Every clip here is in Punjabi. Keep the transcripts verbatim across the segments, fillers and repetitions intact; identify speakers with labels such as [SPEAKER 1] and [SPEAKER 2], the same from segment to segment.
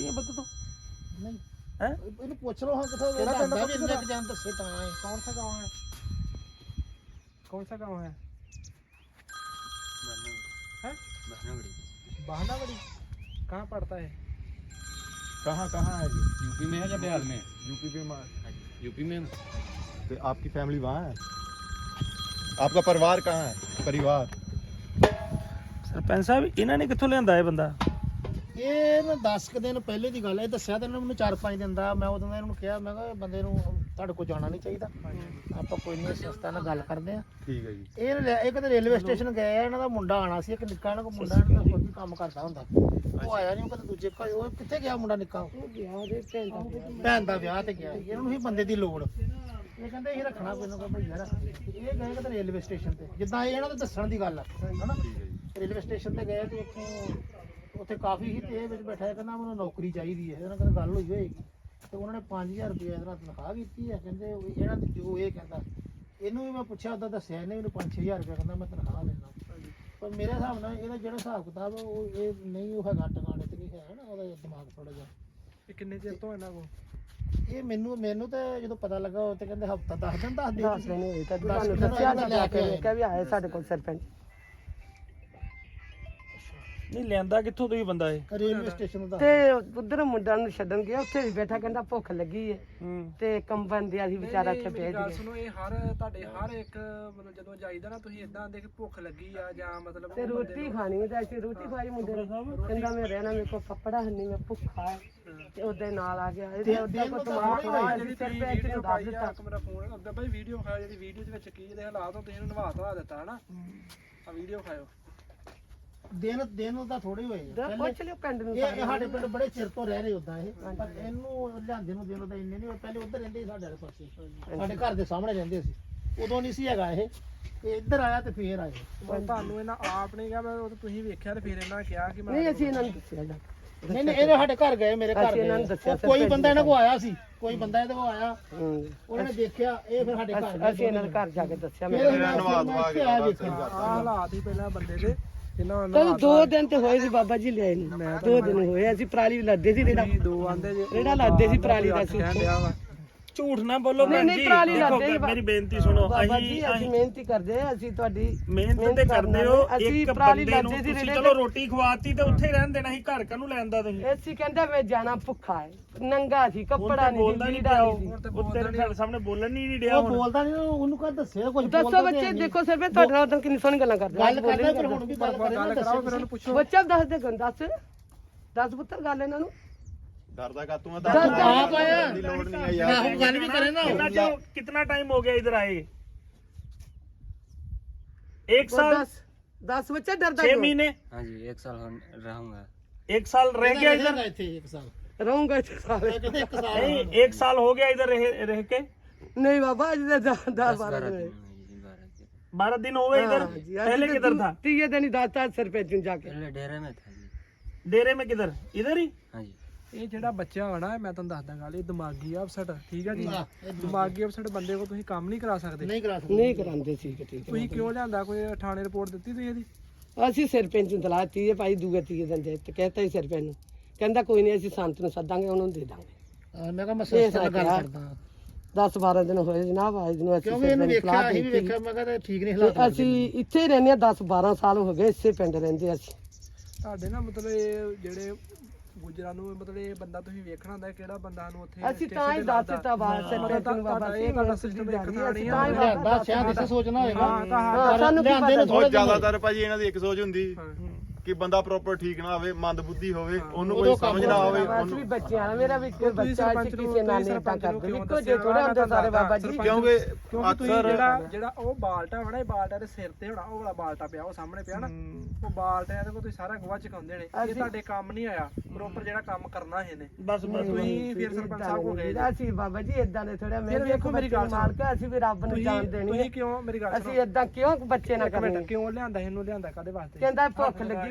[SPEAKER 1] है बता तो
[SPEAKER 2] नहीं
[SPEAKER 1] हैं
[SPEAKER 2] ਇਹਨੂੰ ਪੁੱਛ ਲਓ ਹਾਂ ਕਿੱਥੋਂ ਦੱਸਦਾ ਵੀ ਇੰਨੇ ਜਾਨ ਦੱਸੇ ਤਾਂ ਹੈ
[SPEAKER 3] कौन सा गाँव है कौन सा गाँव है हैं बहनागढ़ी कहाँ पड़ता है
[SPEAKER 2] कहाँ कहाँ है ये
[SPEAKER 4] यूपी में है या बिहार में?
[SPEAKER 2] यूपी में
[SPEAKER 4] यूपी में।
[SPEAKER 2] तो आपकी फैमिली वहाँ है आपका परिवार कहाँ है परिवार
[SPEAKER 1] सरपंच साहब इन्होंने कितों लिया है बंदा
[SPEAKER 2] ਇਹ ਨਾ ਦਸ ਕੁ ਦਿਨ ਪਹਿਲੇ ਦੀ ਗੱਲ ਹੈ ਦੱਸਿਆ ਤਾਂ ਇਹਨਾਂ ਮੈਨੂੰ ਚਾਰ ਪੰਜ ਦਿਨ ਦਾ ਮੈਂ ਉਦੋਂ ਦਾ ਇਹਨਾਂ ਨੂੰ ਕਿਹਾ ਮੈਂ ਕਿਹਾ ਬੰਦੇ ਨੂੰ ਤੁਹਾਡੇ ਕੋਲ ਜਾਣਾ ਨਹੀਂ ਚਾਹੀਦਾ ਆਪਾਂ ਕੋਈ ਨਹੀਂ ਸੰਸਥਾ ਨਾਲ ਗੱਲ ਕਰਦੇ ਆ ਠੀਕ ਹੈ ਜੀ ਇਹ ਲੈ- ਇਹ ਕਦੇ ਰੇਲਵੇ ਸਟੇਸ਼ਨ ਗਏ ਆ ਇਹਨਾਂ ਦਾ ਮੁੰਡਾ ਆਣਾ ਸੀ ਇੱਕ ਨਿੱਕਾ ਇਹਨਾਂ ਕੋਲ ਮੁੰਡਾ ਇਹਨਾਂ ਦਾ ਹੋਰ ਵੀ ਕੰਮ ਕਰਦਾ ਹੁੰਦਾ ਉਹ ਆਇਆ ਨਹੀਂ ਉਹ ਕਦੇ ਦੂਜੇ ਘਰ ਉਹ ਕਿੱਥੇ ਗਿਆ ਮੁੰਡਾ ਨਿੱਕਾ ਉਹ ਗਿਆ ਉਹਦੇ ਭੈਣ ਦਾ ਭੈਣ ਦਾ ਵਿਆਹ ਤੇ ਗਿਆ ਇਹਨਾਂ ਨੂੰ ਹੀ ਬੰਦੇ ਦੀ ਲੋੜ ਇਹ ਕਹਿੰਦੇ ਇਹ ਰੱਖਣਾ ਕੋਈ ਨਾ ਕੋਈ ਭਈਆ ਰੱਖ ਇਹ ਗਏ ਕਦੇ ਰੇਲਵੇ ਸਟੇਸ਼ਨ ਤੇ ਜਿੱਦਾਂ ਇਹ ਇਹਨਾਂ ਦੇ ਦੱਸਣ ਦੀ ਗੱਲ ਆ ਹਨਾ ਰੇਲਵੇ ਸਟੇਸ਼ਨ ਤੇ ਗਏ ਤੇ ਉੱਥੋਂ ਉੱਥੇ ਕਾਫੀ ਹੀ ਤੇ ਵਿੱਚ ਬੈਠਾ ਹੈ ਕਹਿੰਦਾ ਮੈਨੂੰ ਨੌਕਰੀ ਚਾਹੀਦੀ ਹੈ ਇਹਨਾਂ ਨਾਲ ਗੱਲ ਹੋਈ ਹੋਏਗੀ ਤੇ ਉਹਨਾਂ ਨੇ ਪੰਜ ਹਜ਼ਾਰ ਰੁਪਏ ਇਹਦੇ ਨਾਲ ਤਨਖਾਹ ਕੀਤੀ ਹੈ ਕਹਿੰਦੇ ਇਹਨਾਂ ਦੇ ਜੋ ਇਹ ਕਹਿੰਦਾ ਇਹਨੂੰ ਵੀ ਮੈਂ ਪੁੱਛਿਆ ਉਹਦਾ ਦੱਸਿਆ ਇਹਨੇ ਮੈਨੂੰ ਪੰਜ ਛੇ ਹਜ਼ਾਰ ਰੁਪਏ ਕਹਿੰਦਾ ਮੈਂ ਤਨਖਾਹ ਲੈਣਾ ਪਰ ਮੇਰੇ ਹਿਸਾਬ ਨਾਲ ਇਹਦਾ ਜਿਹੜਾ ਹਿਸਾਬ ਕਿਤਾਬ ਉਹ ਇਹ ਨਹੀਂ ਉਹ ਹੈਗਾ ਟਿਕਾਣੇ ਤੇ ਨਹੀਂ ਹੈ ਨਾ ਉਹਦਾ ਦਿਮਾਗ ਥੋੜਾ ਜਿਹਾ
[SPEAKER 3] ਇਹ ਕਿੰਨੇ ਚਿਰ ਤੋਂ ਇਹਨਾਂ ਕੋਲ
[SPEAKER 2] ਇਹ ਮੈਨੂੰ ਮੈਨੂੰ ਤਾਂ ਜਦੋਂ ਪਤਾ ਲੱਗਾ ਉਹ ਤੇ ਕਹਿੰਦੇ ਹਫਤਾ ਦਸ ਦਿਨ ਦੱਸ ਦੇ
[SPEAKER 5] ਦਸ ਦਿਨ ਹੋਏ ਤਾਂ ਤੁਹਾਨੂੰ ਦੱਸਿਆ ਤਾਂ ਲੈ ਕੇ ਕਿਹਾ ਵੀ ਆਏ ਸਾਡੇ ਕੋਲ ਸਰਪੰਚ
[SPEAKER 1] नहीं लिया कितों तो ही बंदा है
[SPEAKER 2] ਰੇਲਵੇ ਸਟੇਸ਼ਨ ਦਾ
[SPEAKER 5] ਤੇ ਉਧਰ ਮੁੰਡਾ ਨੂੰ ਛੱਡਣ ਗਿਆ ਉੱਥੇ ਵੀ ਬੈਠਾ ਕਹਿੰਦਾ ਭੁੱਖ ਲੱਗੀ ਹੈ ਤੇ ਕੰਬਨ ਦਿਆ ਸੀ ਵਿਚਾਰਾ ਇੱਥੇ ਭੇਜ
[SPEAKER 3] ਗੱਲ
[SPEAKER 5] ਗਿਆ
[SPEAKER 3] ਸੁਣੋ ਇਹ ਹਰ ਤੁਹਾਡੇ ਹਰ ਇੱਕ ਮਤਲਬ ਜਦੋਂ ਜਾਈਦਾ ਨਾ ਤੁਸੀਂ ਇਦਾਂ ਆਂਦੇ ਕਿ ਭੁੱਖ ਲੱਗੀ ਆ ਜਾਂ ਮਤਲਬ
[SPEAKER 5] ਤੇ ਰੋਟੀ ਖਾਣੀ ਤੇ ਅਸੀਂ ਰੋਟੀ ਖਾਈ ਮੁੰਡੇ ਨੇ ਕਹਿੰਦਾ ਮੈਂ ਰਹਿਣਾ ਮੇਰੇ ਕੋਲ ਕੱਪੜਾ ਨਹੀਂ ਮੈਂ ਭੁੱਖਾ ਹੈ ਤੇ ਉਹਦੇ ਨਾਲ ਆ ਗਿਆ ਇਹ ਉਹਦਾ ਕੋ ਤਮਾਮ ਖਵਾ
[SPEAKER 3] ਜਿਹੜੀ
[SPEAKER 5] ਸਰਪੰਚ ਨੂੰ ਦੱਸ ਦਿੱਤਾ
[SPEAKER 3] ਇੱਕ ਮੇਰਾ ਫੋਨ ਅੱਗੇ ਭਾਈ ਵੀਡੀਓ ਖਾਓ ਜਿਹੜੀ ਵੀਡੀਓ ਦੇ ਵਿੱਚ ਕੀ ਇਹਦੇ ਹਾਲਾਤ ਹੁੰਦੇ ਇਹਨੂੰ ਨਵਾ ਧਵਾ ਦਿੱਤਾ ਹਨਾ ਆ ਵੀਡੀਓ ਖਾਓ
[SPEAKER 2] ਦਿਨ ਦਿਨ ਉਹਦਾ ਥੋੜੇ ਹੋਏ ਆ। ਪਹਿਲੇ
[SPEAKER 5] ਪੁੱਛ ਲਿਓ ਪਿੰਡ ਨੂੰ
[SPEAKER 2] ਇਹ ਸਾਡੇ ਪਿੰਡ ਬੜੇ ਚਿਰ ਤੋਂ ਰਹਿ ਰਹੇ ਉਦਾਂ ਇਹ ਪਰ ਇਹਨੂੰ ਲਿਆਂਦੇ ਨੂੰ ਦਿਨ ਉਹਦਾ ਇੰਨੇ ਨਹੀਂ ਹੋਏ ਪਹਿਲੇ ਉੱਧਰ ਰਹਿੰਦੇ ਸੀ ਸਾਡੇ ਵਾਲੇ ਪਾਸੇ ਸਾਡੇ ਘਰ ਦੇ ਸਾਹਮਣੇ ਰਹਿੰਦੇ ਸੀ ਉਦੋਂ ਨਹੀਂ ਸੀ ਹੈਗਾ ਇਹ ਇਹ ਇੱਧਰ ਆਇਆ ਤੇ ਫੇਰ ਆਏ
[SPEAKER 3] ਪਰ ਤੁਹਾਨੂੰ ਇਹਨਾਂ ਆਪ ਨੇ ਕਿਹਾ ਮੈਂ ਉਹ ਤਾਂ ਤੁਸੀਂ ਵੇਖਿਆ ਤੇ ਫਿਰ ਇਹਨਾਂ ਕਿਹਾ ਕਿ ਮੈਂ
[SPEAKER 5] ਨਹੀਂ ਅਸੀਂ ਇਹਨਾਂ ਨੂੰ ਦੱਸਿਆ ਜਾ
[SPEAKER 2] ਨਹੀਂ ਨਹੀਂ ਇਹਦੇ ਸਾਡੇ ਘਰ ਗਏ ਮੇਰੇ ਘਰ
[SPEAKER 5] ਅਸੀਂ ਇਹਨਾਂ ਨੂੰ
[SPEAKER 2] ਗਏ
[SPEAKER 5] ਦੱਸਿਆ
[SPEAKER 2] ਉਹ ਕੋਈ ਬੰਦਾ ਇਹਨਾਂ ਕੋਲ ਆਇਆ ਸੀ ਕੋਈ ਬੰਦਾ ਇਹਦੇ ਕੋਲ ਆਇਆ
[SPEAKER 5] ਹੂੰ
[SPEAKER 2] ਉਹਨਾਂ ਨੇ ਦੇਖਿਆ ਇਹ ਫਿਰ ਸਾਡੇ ਘਰ
[SPEAKER 5] ਅਸੀਂ ਇਹਨਾਂ ਦੇ ਘਰ ਜਾ ਕੇ ਦੱਸਿਆ ਮੈਂ
[SPEAKER 2] ਫਿਰ ਨਵਾਜ਼ ਆ ਗਿਆ
[SPEAKER 3] ਆਹ ਹਾਲਾਤ ਹੀ ਪਹਿਲਾਂ ਬੰਦੇ ਦੇ ਇਹਨਾਂ
[SPEAKER 5] ਕਦੋਂ ਦੋ ਦਿਨ ਤੇ ਹੋਏ ਸੀ ਬਾਬਾ ਜੀ ਲਿਆਏ ਨੂੰ ਦੋ ਦਿਨ ਹੋਏ ਅਸੀਂ ਪਰਾਲੀ ਲੱਦੇ ਸੀ ਰੇੜਾ
[SPEAKER 3] ਦੋ ਆਂਦੇ ਜੇ
[SPEAKER 5] ਰੇੜਾ ਲੱਦੇ ਸੀ ਪਰਾਲੀ ਦਾ ਸੀ
[SPEAKER 3] ਕਹਿਣ ਡਿਆ ਵਾ
[SPEAKER 1] झूठ ना बोलो
[SPEAKER 5] नहीं,
[SPEAKER 1] भैन
[SPEAKER 5] नहीं,
[SPEAKER 1] जी
[SPEAKER 5] पराली
[SPEAKER 1] देखो
[SPEAKER 5] लाते ही बा-
[SPEAKER 1] मेरी बेनती सुनो
[SPEAKER 5] ਬਾਬਾ
[SPEAKER 1] अहीं
[SPEAKER 5] ਜੀ ਅਸੀਂ
[SPEAKER 1] अहीं
[SPEAKER 5] ਮਿਹਨਤੀ ਕਰਦੇ ਆ ਅਸੀਂ ਤੁਹਾਡੀ
[SPEAKER 1] ਮਿਹਨਤ ਤੇ ਕਰਦੇ ਹੋ
[SPEAKER 5] ਅਸੀਂ
[SPEAKER 1] ਇੱਕ
[SPEAKER 5] ਪਰਾਲੀ
[SPEAKER 1] ਬੰਦੇ ਨੂੰ
[SPEAKER 5] ਲੱਦੇ ਸੀ
[SPEAKER 1] ਤੁਸੀਂ
[SPEAKER 5] ਰੇੜੇ
[SPEAKER 1] ਚਲੋ ਰੋਟੀ ਖਵਾਤੀ ਤੇ ਉੱਥੇ ਹੀ ਰਹਿਣ ਦੇਣਾ ਸੀ ਘਰ ਕਾਹਨੂੰ ਲੈਂਦਾ ਤੁਸੀਂ
[SPEAKER 5] ਅਸੀਂ ਕਹਿੰਦਾ ਮੈਂ ਜਾਣਾ ਭੁੱਖਾ ਹੈ ਨੰਗਾ ਸੀ ਕੱਪੜਾ ਨਹੀਂ
[SPEAKER 1] ਬੋਲਦਾ
[SPEAKER 5] ਸੀ
[SPEAKER 1] ਨਹੀਂ
[SPEAKER 5] ਲੀੜਾ
[SPEAKER 1] ਪਿਆ
[SPEAKER 5] ਨਹੀਂ ਸੀ
[SPEAKER 1] ਉਹ ਉਹ ਤੇਰੇ ਸਾਡੇ ਸਾਹਮਣੇ ਬੋਲਣ ਹੀ ਨਹੀਂ ਡਿਆ
[SPEAKER 2] ਉਹ
[SPEAKER 1] ਹੁਣ
[SPEAKER 2] ਬੋਲਦਾ ਨਹੀਂ ਉਹਨੂੰ ਕਹ ਦੱਸਿਆ ਕੁਝ
[SPEAKER 5] ਦੱਸੋ ਬੱਚੇ ਦੇਖੋ ਸਰ ਮੈਂ ਤੁਹਾਡੇ ਨਾਲ ਉਦੋਂ ਕਿੰਨੀ ਸੋਹਣੀ ਗੱਲਾਂ ਕਰਦੇ
[SPEAKER 2] ਗੱਲ ਕਰਦਾ ਪਰ ਹੁਣ ਵੀ ਗੱਲ ਕਰ
[SPEAKER 3] ਗੱਲ ਕਰਾਓ ਫਿਰ ਉਹਨੂੰ ਪੁੱਛੋ
[SPEAKER 5] ਬੱਚਾ ਦੱਸ ਦੇ ਗੰ ਦੱਸ ਦੱਸ ਪੁੱਤਰ ਗੱਲ ਇਹਨਾਂ ਨੂੰ
[SPEAKER 2] ਡਰਦਾ ਕਾ ਤੂੰ
[SPEAKER 5] ਦੱਸ
[SPEAKER 2] ਆਪ ਆਇਆ ਦੀ ਲੋੜ ਨਹੀਂ ਆ ਯਾਰ ਉਹ ਗੱਲ ਵੀ ਕਰੇ ਨਾ
[SPEAKER 1] कितना जो कितना टाइम हो गया इधर आए एक
[SPEAKER 5] ਉਹ
[SPEAKER 1] साल
[SPEAKER 5] ਦੱਸ ਦੱਸ ਬੱਚਾ ਡਰਦਾ
[SPEAKER 1] छह
[SPEAKER 5] ਕਿਉਂ
[SPEAKER 1] महीने
[SPEAKER 4] हाँ जी एक साल हो- रहूंगा।
[SPEAKER 1] एक साल रह गया इधर
[SPEAKER 2] ਇੱਥੇ ਇੱਕ ਸਾਲ
[SPEAKER 5] ਰਹੂੰਗਾ ਇੱਥੇ ਸਾਰੇ
[SPEAKER 2] ਕਹਿੰਦੇ ਇੱਕ ਸਾਲ
[SPEAKER 1] नहीं एक साल हो गया इधर रह, रह के
[SPEAKER 5] ਨਹੀਂ ਬਾਬਾ ਅੱਜ ਦੇ ਦਸ
[SPEAKER 4] दस
[SPEAKER 5] ਬਾਰਾਂ
[SPEAKER 4] बारह
[SPEAKER 5] ਦਿਨ
[SPEAKER 4] दिन हुए जी, बारह दिन।
[SPEAKER 1] बारह दिन हो गए इधर
[SPEAKER 5] हाँ जी, आज
[SPEAKER 1] पहले
[SPEAKER 5] तो
[SPEAKER 1] किधर
[SPEAKER 5] तू-
[SPEAKER 1] था
[SPEAKER 5] तीये दिन ही दाता सरपंच ਨੂੰ ਜਾ ਕੇ
[SPEAKER 4] पहले डेरे में था जी।
[SPEAKER 1] डेरे में किधर इधर ही
[SPEAKER 4] हाँ जी।
[SPEAKER 3] ਇਹ ਜਿਹੜਾ ਬੱਚਾ ਹੋਣਾ ਮੈਂ ਤੁਹਾਨੂੰ ਦੱਸਦਾ ਗੱਲ ਇਹ ਦਿਮਾਗੀ ਅਪਸੈਟ ਠੀਕ ਹੈ ਜੀ ਦਿਮਾਗੀ ਅਪਸੈਟ ਬੰਦੇ ਕੋ ਤੁਸੀਂ ਕੰਮ ਨਹੀਂ ਕਰਾ ਸਕਦੇ
[SPEAKER 2] ਨਹੀਂ ਕਰਾ ਸਕਦੇ
[SPEAKER 5] ਨਹੀਂ ਕਰਾਉਂਦੇ ਸੀ ਕਿ ਠੀਕ
[SPEAKER 3] ਤੁਸੀਂ ਕਿਉਂ ਲਿਆਂਦਾ ਕੋਈ ਥਾਣੇ ਰਿਪੋਰਟ ਦਿੱਤੀ ਤੁਸੀਂ ਇਹਦੀ
[SPEAKER 5] ਹੈ ਅਸੀਂ ਸਰਪੰਚ ਨੂੰ ਦਲਾ ਤੀਏ ਭਾਈ ਦੂਗੇ ਤੀਏ ਦਿਨ ਦੇ ਤੇ ਕਹਿਤਾ ਹੀ ਸਰਪੰਚ ਨੂੰ ਕਹਿੰਦਾ ਕੋਈ ਨਹੀਂ ਅਸੀਂ ਸੰਤ ਨੂੰ ਸੱਦਾਂਗੇ ਉਹਨੂੰ ਦੇ ਦਾਂਗੇ
[SPEAKER 2] ਮੈਂ ਕਿਹਾ ਮੈਂ ਸੰਸਥਾ ਨਾਲ ਗੱਲ ਕਰਦਾ
[SPEAKER 5] ਦਸ ਬਾਰਾਂ ਦਿਨ ਹੋਏ ਜਨਾਬ ਅੱਜ ਨੂੰ ਅਸੀਂ
[SPEAKER 2] ਕਿਉਂਕਿ ਇਹਨੂੰ
[SPEAKER 5] ਸਰਪੰਚ
[SPEAKER 2] ਵੇਖਿਆ
[SPEAKER 5] ਸਲਾਹ
[SPEAKER 2] ਅਸੀਂ ਵੀ
[SPEAKER 5] ਦਿੱਤੀ।
[SPEAKER 2] ਵੇਖਿਆ ਮੈਂ ਕਹਿੰਦਾ ਠੀਕ ਨਹੀਂ
[SPEAKER 5] ਤੇ
[SPEAKER 2] ਹਾਲਾਤ
[SPEAKER 5] ਅਸੀਂ ਇੱਥੇ ਹੀ ਰਹਿੰਦੇ ਹਾਂ ਦਸ ਬਾਰਾਂ ਸਾਲ ਹੋ ਗਏ ਇਸੇ ਪਿੰਡ ਰਹਿੰਦੇ ਅਸੀਂ
[SPEAKER 3] ਤੁਹਾਡੇ ਨਾ ਮਤਲਬ ਇਹ ਜਿਹੜੇ ਗੁਜਰਾਂ ਨੂੰ ਮਤਲਬ ਇਹ ਬੰਦਾ ਤੁਸੀਂ ਵੇਖਣਾ ਹੁੰਦਾ ਕਿਹੜਾ ਬੰਦਾ ਨੂੰ ਉੱਥੇ
[SPEAKER 5] ਅਸੀਂ ਤਾਂ ਹੀ ਦੱਸ ਦਿੱਤਾ ਬਾਹਰ ਸਰਪੰਚ ਨੂੰ ਬਾਬਾ ਜੀ
[SPEAKER 3] ਤੁਹਾਡਾ ਸਿਸਟਮ ਇੱਕ
[SPEAKER 5] ਅਸੀਂ
[SPEAKER 3] ਥਾਣੀ
[SPEAKER 5] ਤਾਂ ਹੀ
[SPEAKER 2] ਲਿਆਂਦਾ ਸ਼ਾਇਦ ਇਸੇ ਸੋਚਣਾ ਹੋਏਗਾ
[SPEAKER 5] ਹਾਂ, ਸਾਨੂੰ ਕੀ
[SPEAKER 2] ਲਿਆਂਦੇ ਨੂੰ
[SPEAKER 5] ਪਤਾ
[SPEAKER 2] ਥੋੜੇ
[SPEAKER 6] ਜ਼ਿਆਦਾਤਰ ਭਾਜੀ ਇਹਨਾਂ ਦੀ ਇੱਕ ਸੋਚ ਹੁੰਦੀ ਕਿ ਬੰਦਾ ਪ੍ਰੋਪਰ ਠੀਕ ਨਾ ਹੋਵੇ ਮੰਦ ਬੁੱਧੀ ਹੋਵੇ ਉਹਨੂੰ ਕੋਈ ਸਮਝ ਨਾ ਆਵੇ
[SPEAKER 5] ਅਸੀਂ ਵੀ ਬੱਚੇ ਆ ਮੇਰਾ ਵੀ ਕੋਈ ਬੱਚਾ
[SPEAKER 3] ਸਰਪੰਚ
[SPEAKER 5] ਸੀ
[SPEAKER 3] ਨੂੰ
[SPEAKER 5] ਕਿਸੇ ਨਾਲ ਨਹੀਂ ਤਾਂ ਕਰਦੇ ਇੱਕੋ ਜੇ ਥੋੜੇ ਹੁੰਦੇ ਸਾਰੇ ਬਾਬਾ ਜੀ
[SPEAKER 6] ਕਿਉਂਕਿ
[SPEAKER 3] ਕਿਉਂਕਿ ਤੁਸੀਂ ਜਿਹੜਾ ਜਿਹੜਾ ਉਹ ਬਾਲਟਾ ਹੋਣਾ ਇਹ ਬਾਲਟਾ ਦੇ ਸਿਰ ਤੇ ਹੋਣਾ ਉਹ ਵਾਲਾ ਬਾਲਟਾ ਪਿਆ ਉਹ ਸਾਹਮਣੇ ਪਿਆ ਨਾ ਉਹ ਬਾਲਟਾ ਇਹਦੇ ਕੋਲ ਤੁਸੀਂ ਸਾਰਾ ਗਵਾ ਚਕਾਉਂਦੇ ਨੇ ਇਹ ਤੁਹਾਡੇ ਕੰਮ ਨਹੀਂ ਆਇਆ ਪ੍ਰੋਪਰ ਜਿਹੜਾ ਕੰਮ ਕਰਨਾ ਇਹਨੇ
[SPEAKER 1] बस बस
[SPEAKER 3] ਤੁਸੀਂ ਫਿਰ ਸਰਪੰਚ ਸਾਹਿਬ ਕੋ ਗਏ
[SPEAKER 5] ਅਸੀਂ ਬਾਬਾ ਜੀ ਇਦਾਂ ਦੇ ਥੋੜਾ ਮੈਂ
[SPEAKER 3] ਫਿਰ ਵੇਖੋ ਮੇਰੀ ਗੱਲ ਸੁਣੋ।
[SPEAKER 5] ਮਾਲਕ ਅਸੀਂ ਵੀ ਰੱਬ ਨੂੰ ਜਾਣ ਦੇਣੀ
[SPEAKER 3] ਤੁਸੀਂ ਕਿਉਂ ਮੇਰੀ ਗੱਲ
[SPEAKER 5] ਅਸੀਂ ਇਦਾਂ ਕਿਉਂ ਬੱਚੇ ਨਾ
[SPEAKER 3] ਇੱਕ
[SPEAKER 5] ਕਰਨੇ
[SPEAKER 3] ਮਿੰਟ ਕਿਉਂ ਲਿਆਂਦਾ ਇਹਨੂੰ ਲਿਆਂਦਾ ਕਾਦੇ ਵਾਸਤੇ
[SPEAKER 5] ਕਹਿੰਦਾ ਭੁੱਖ ਲੱਗੀ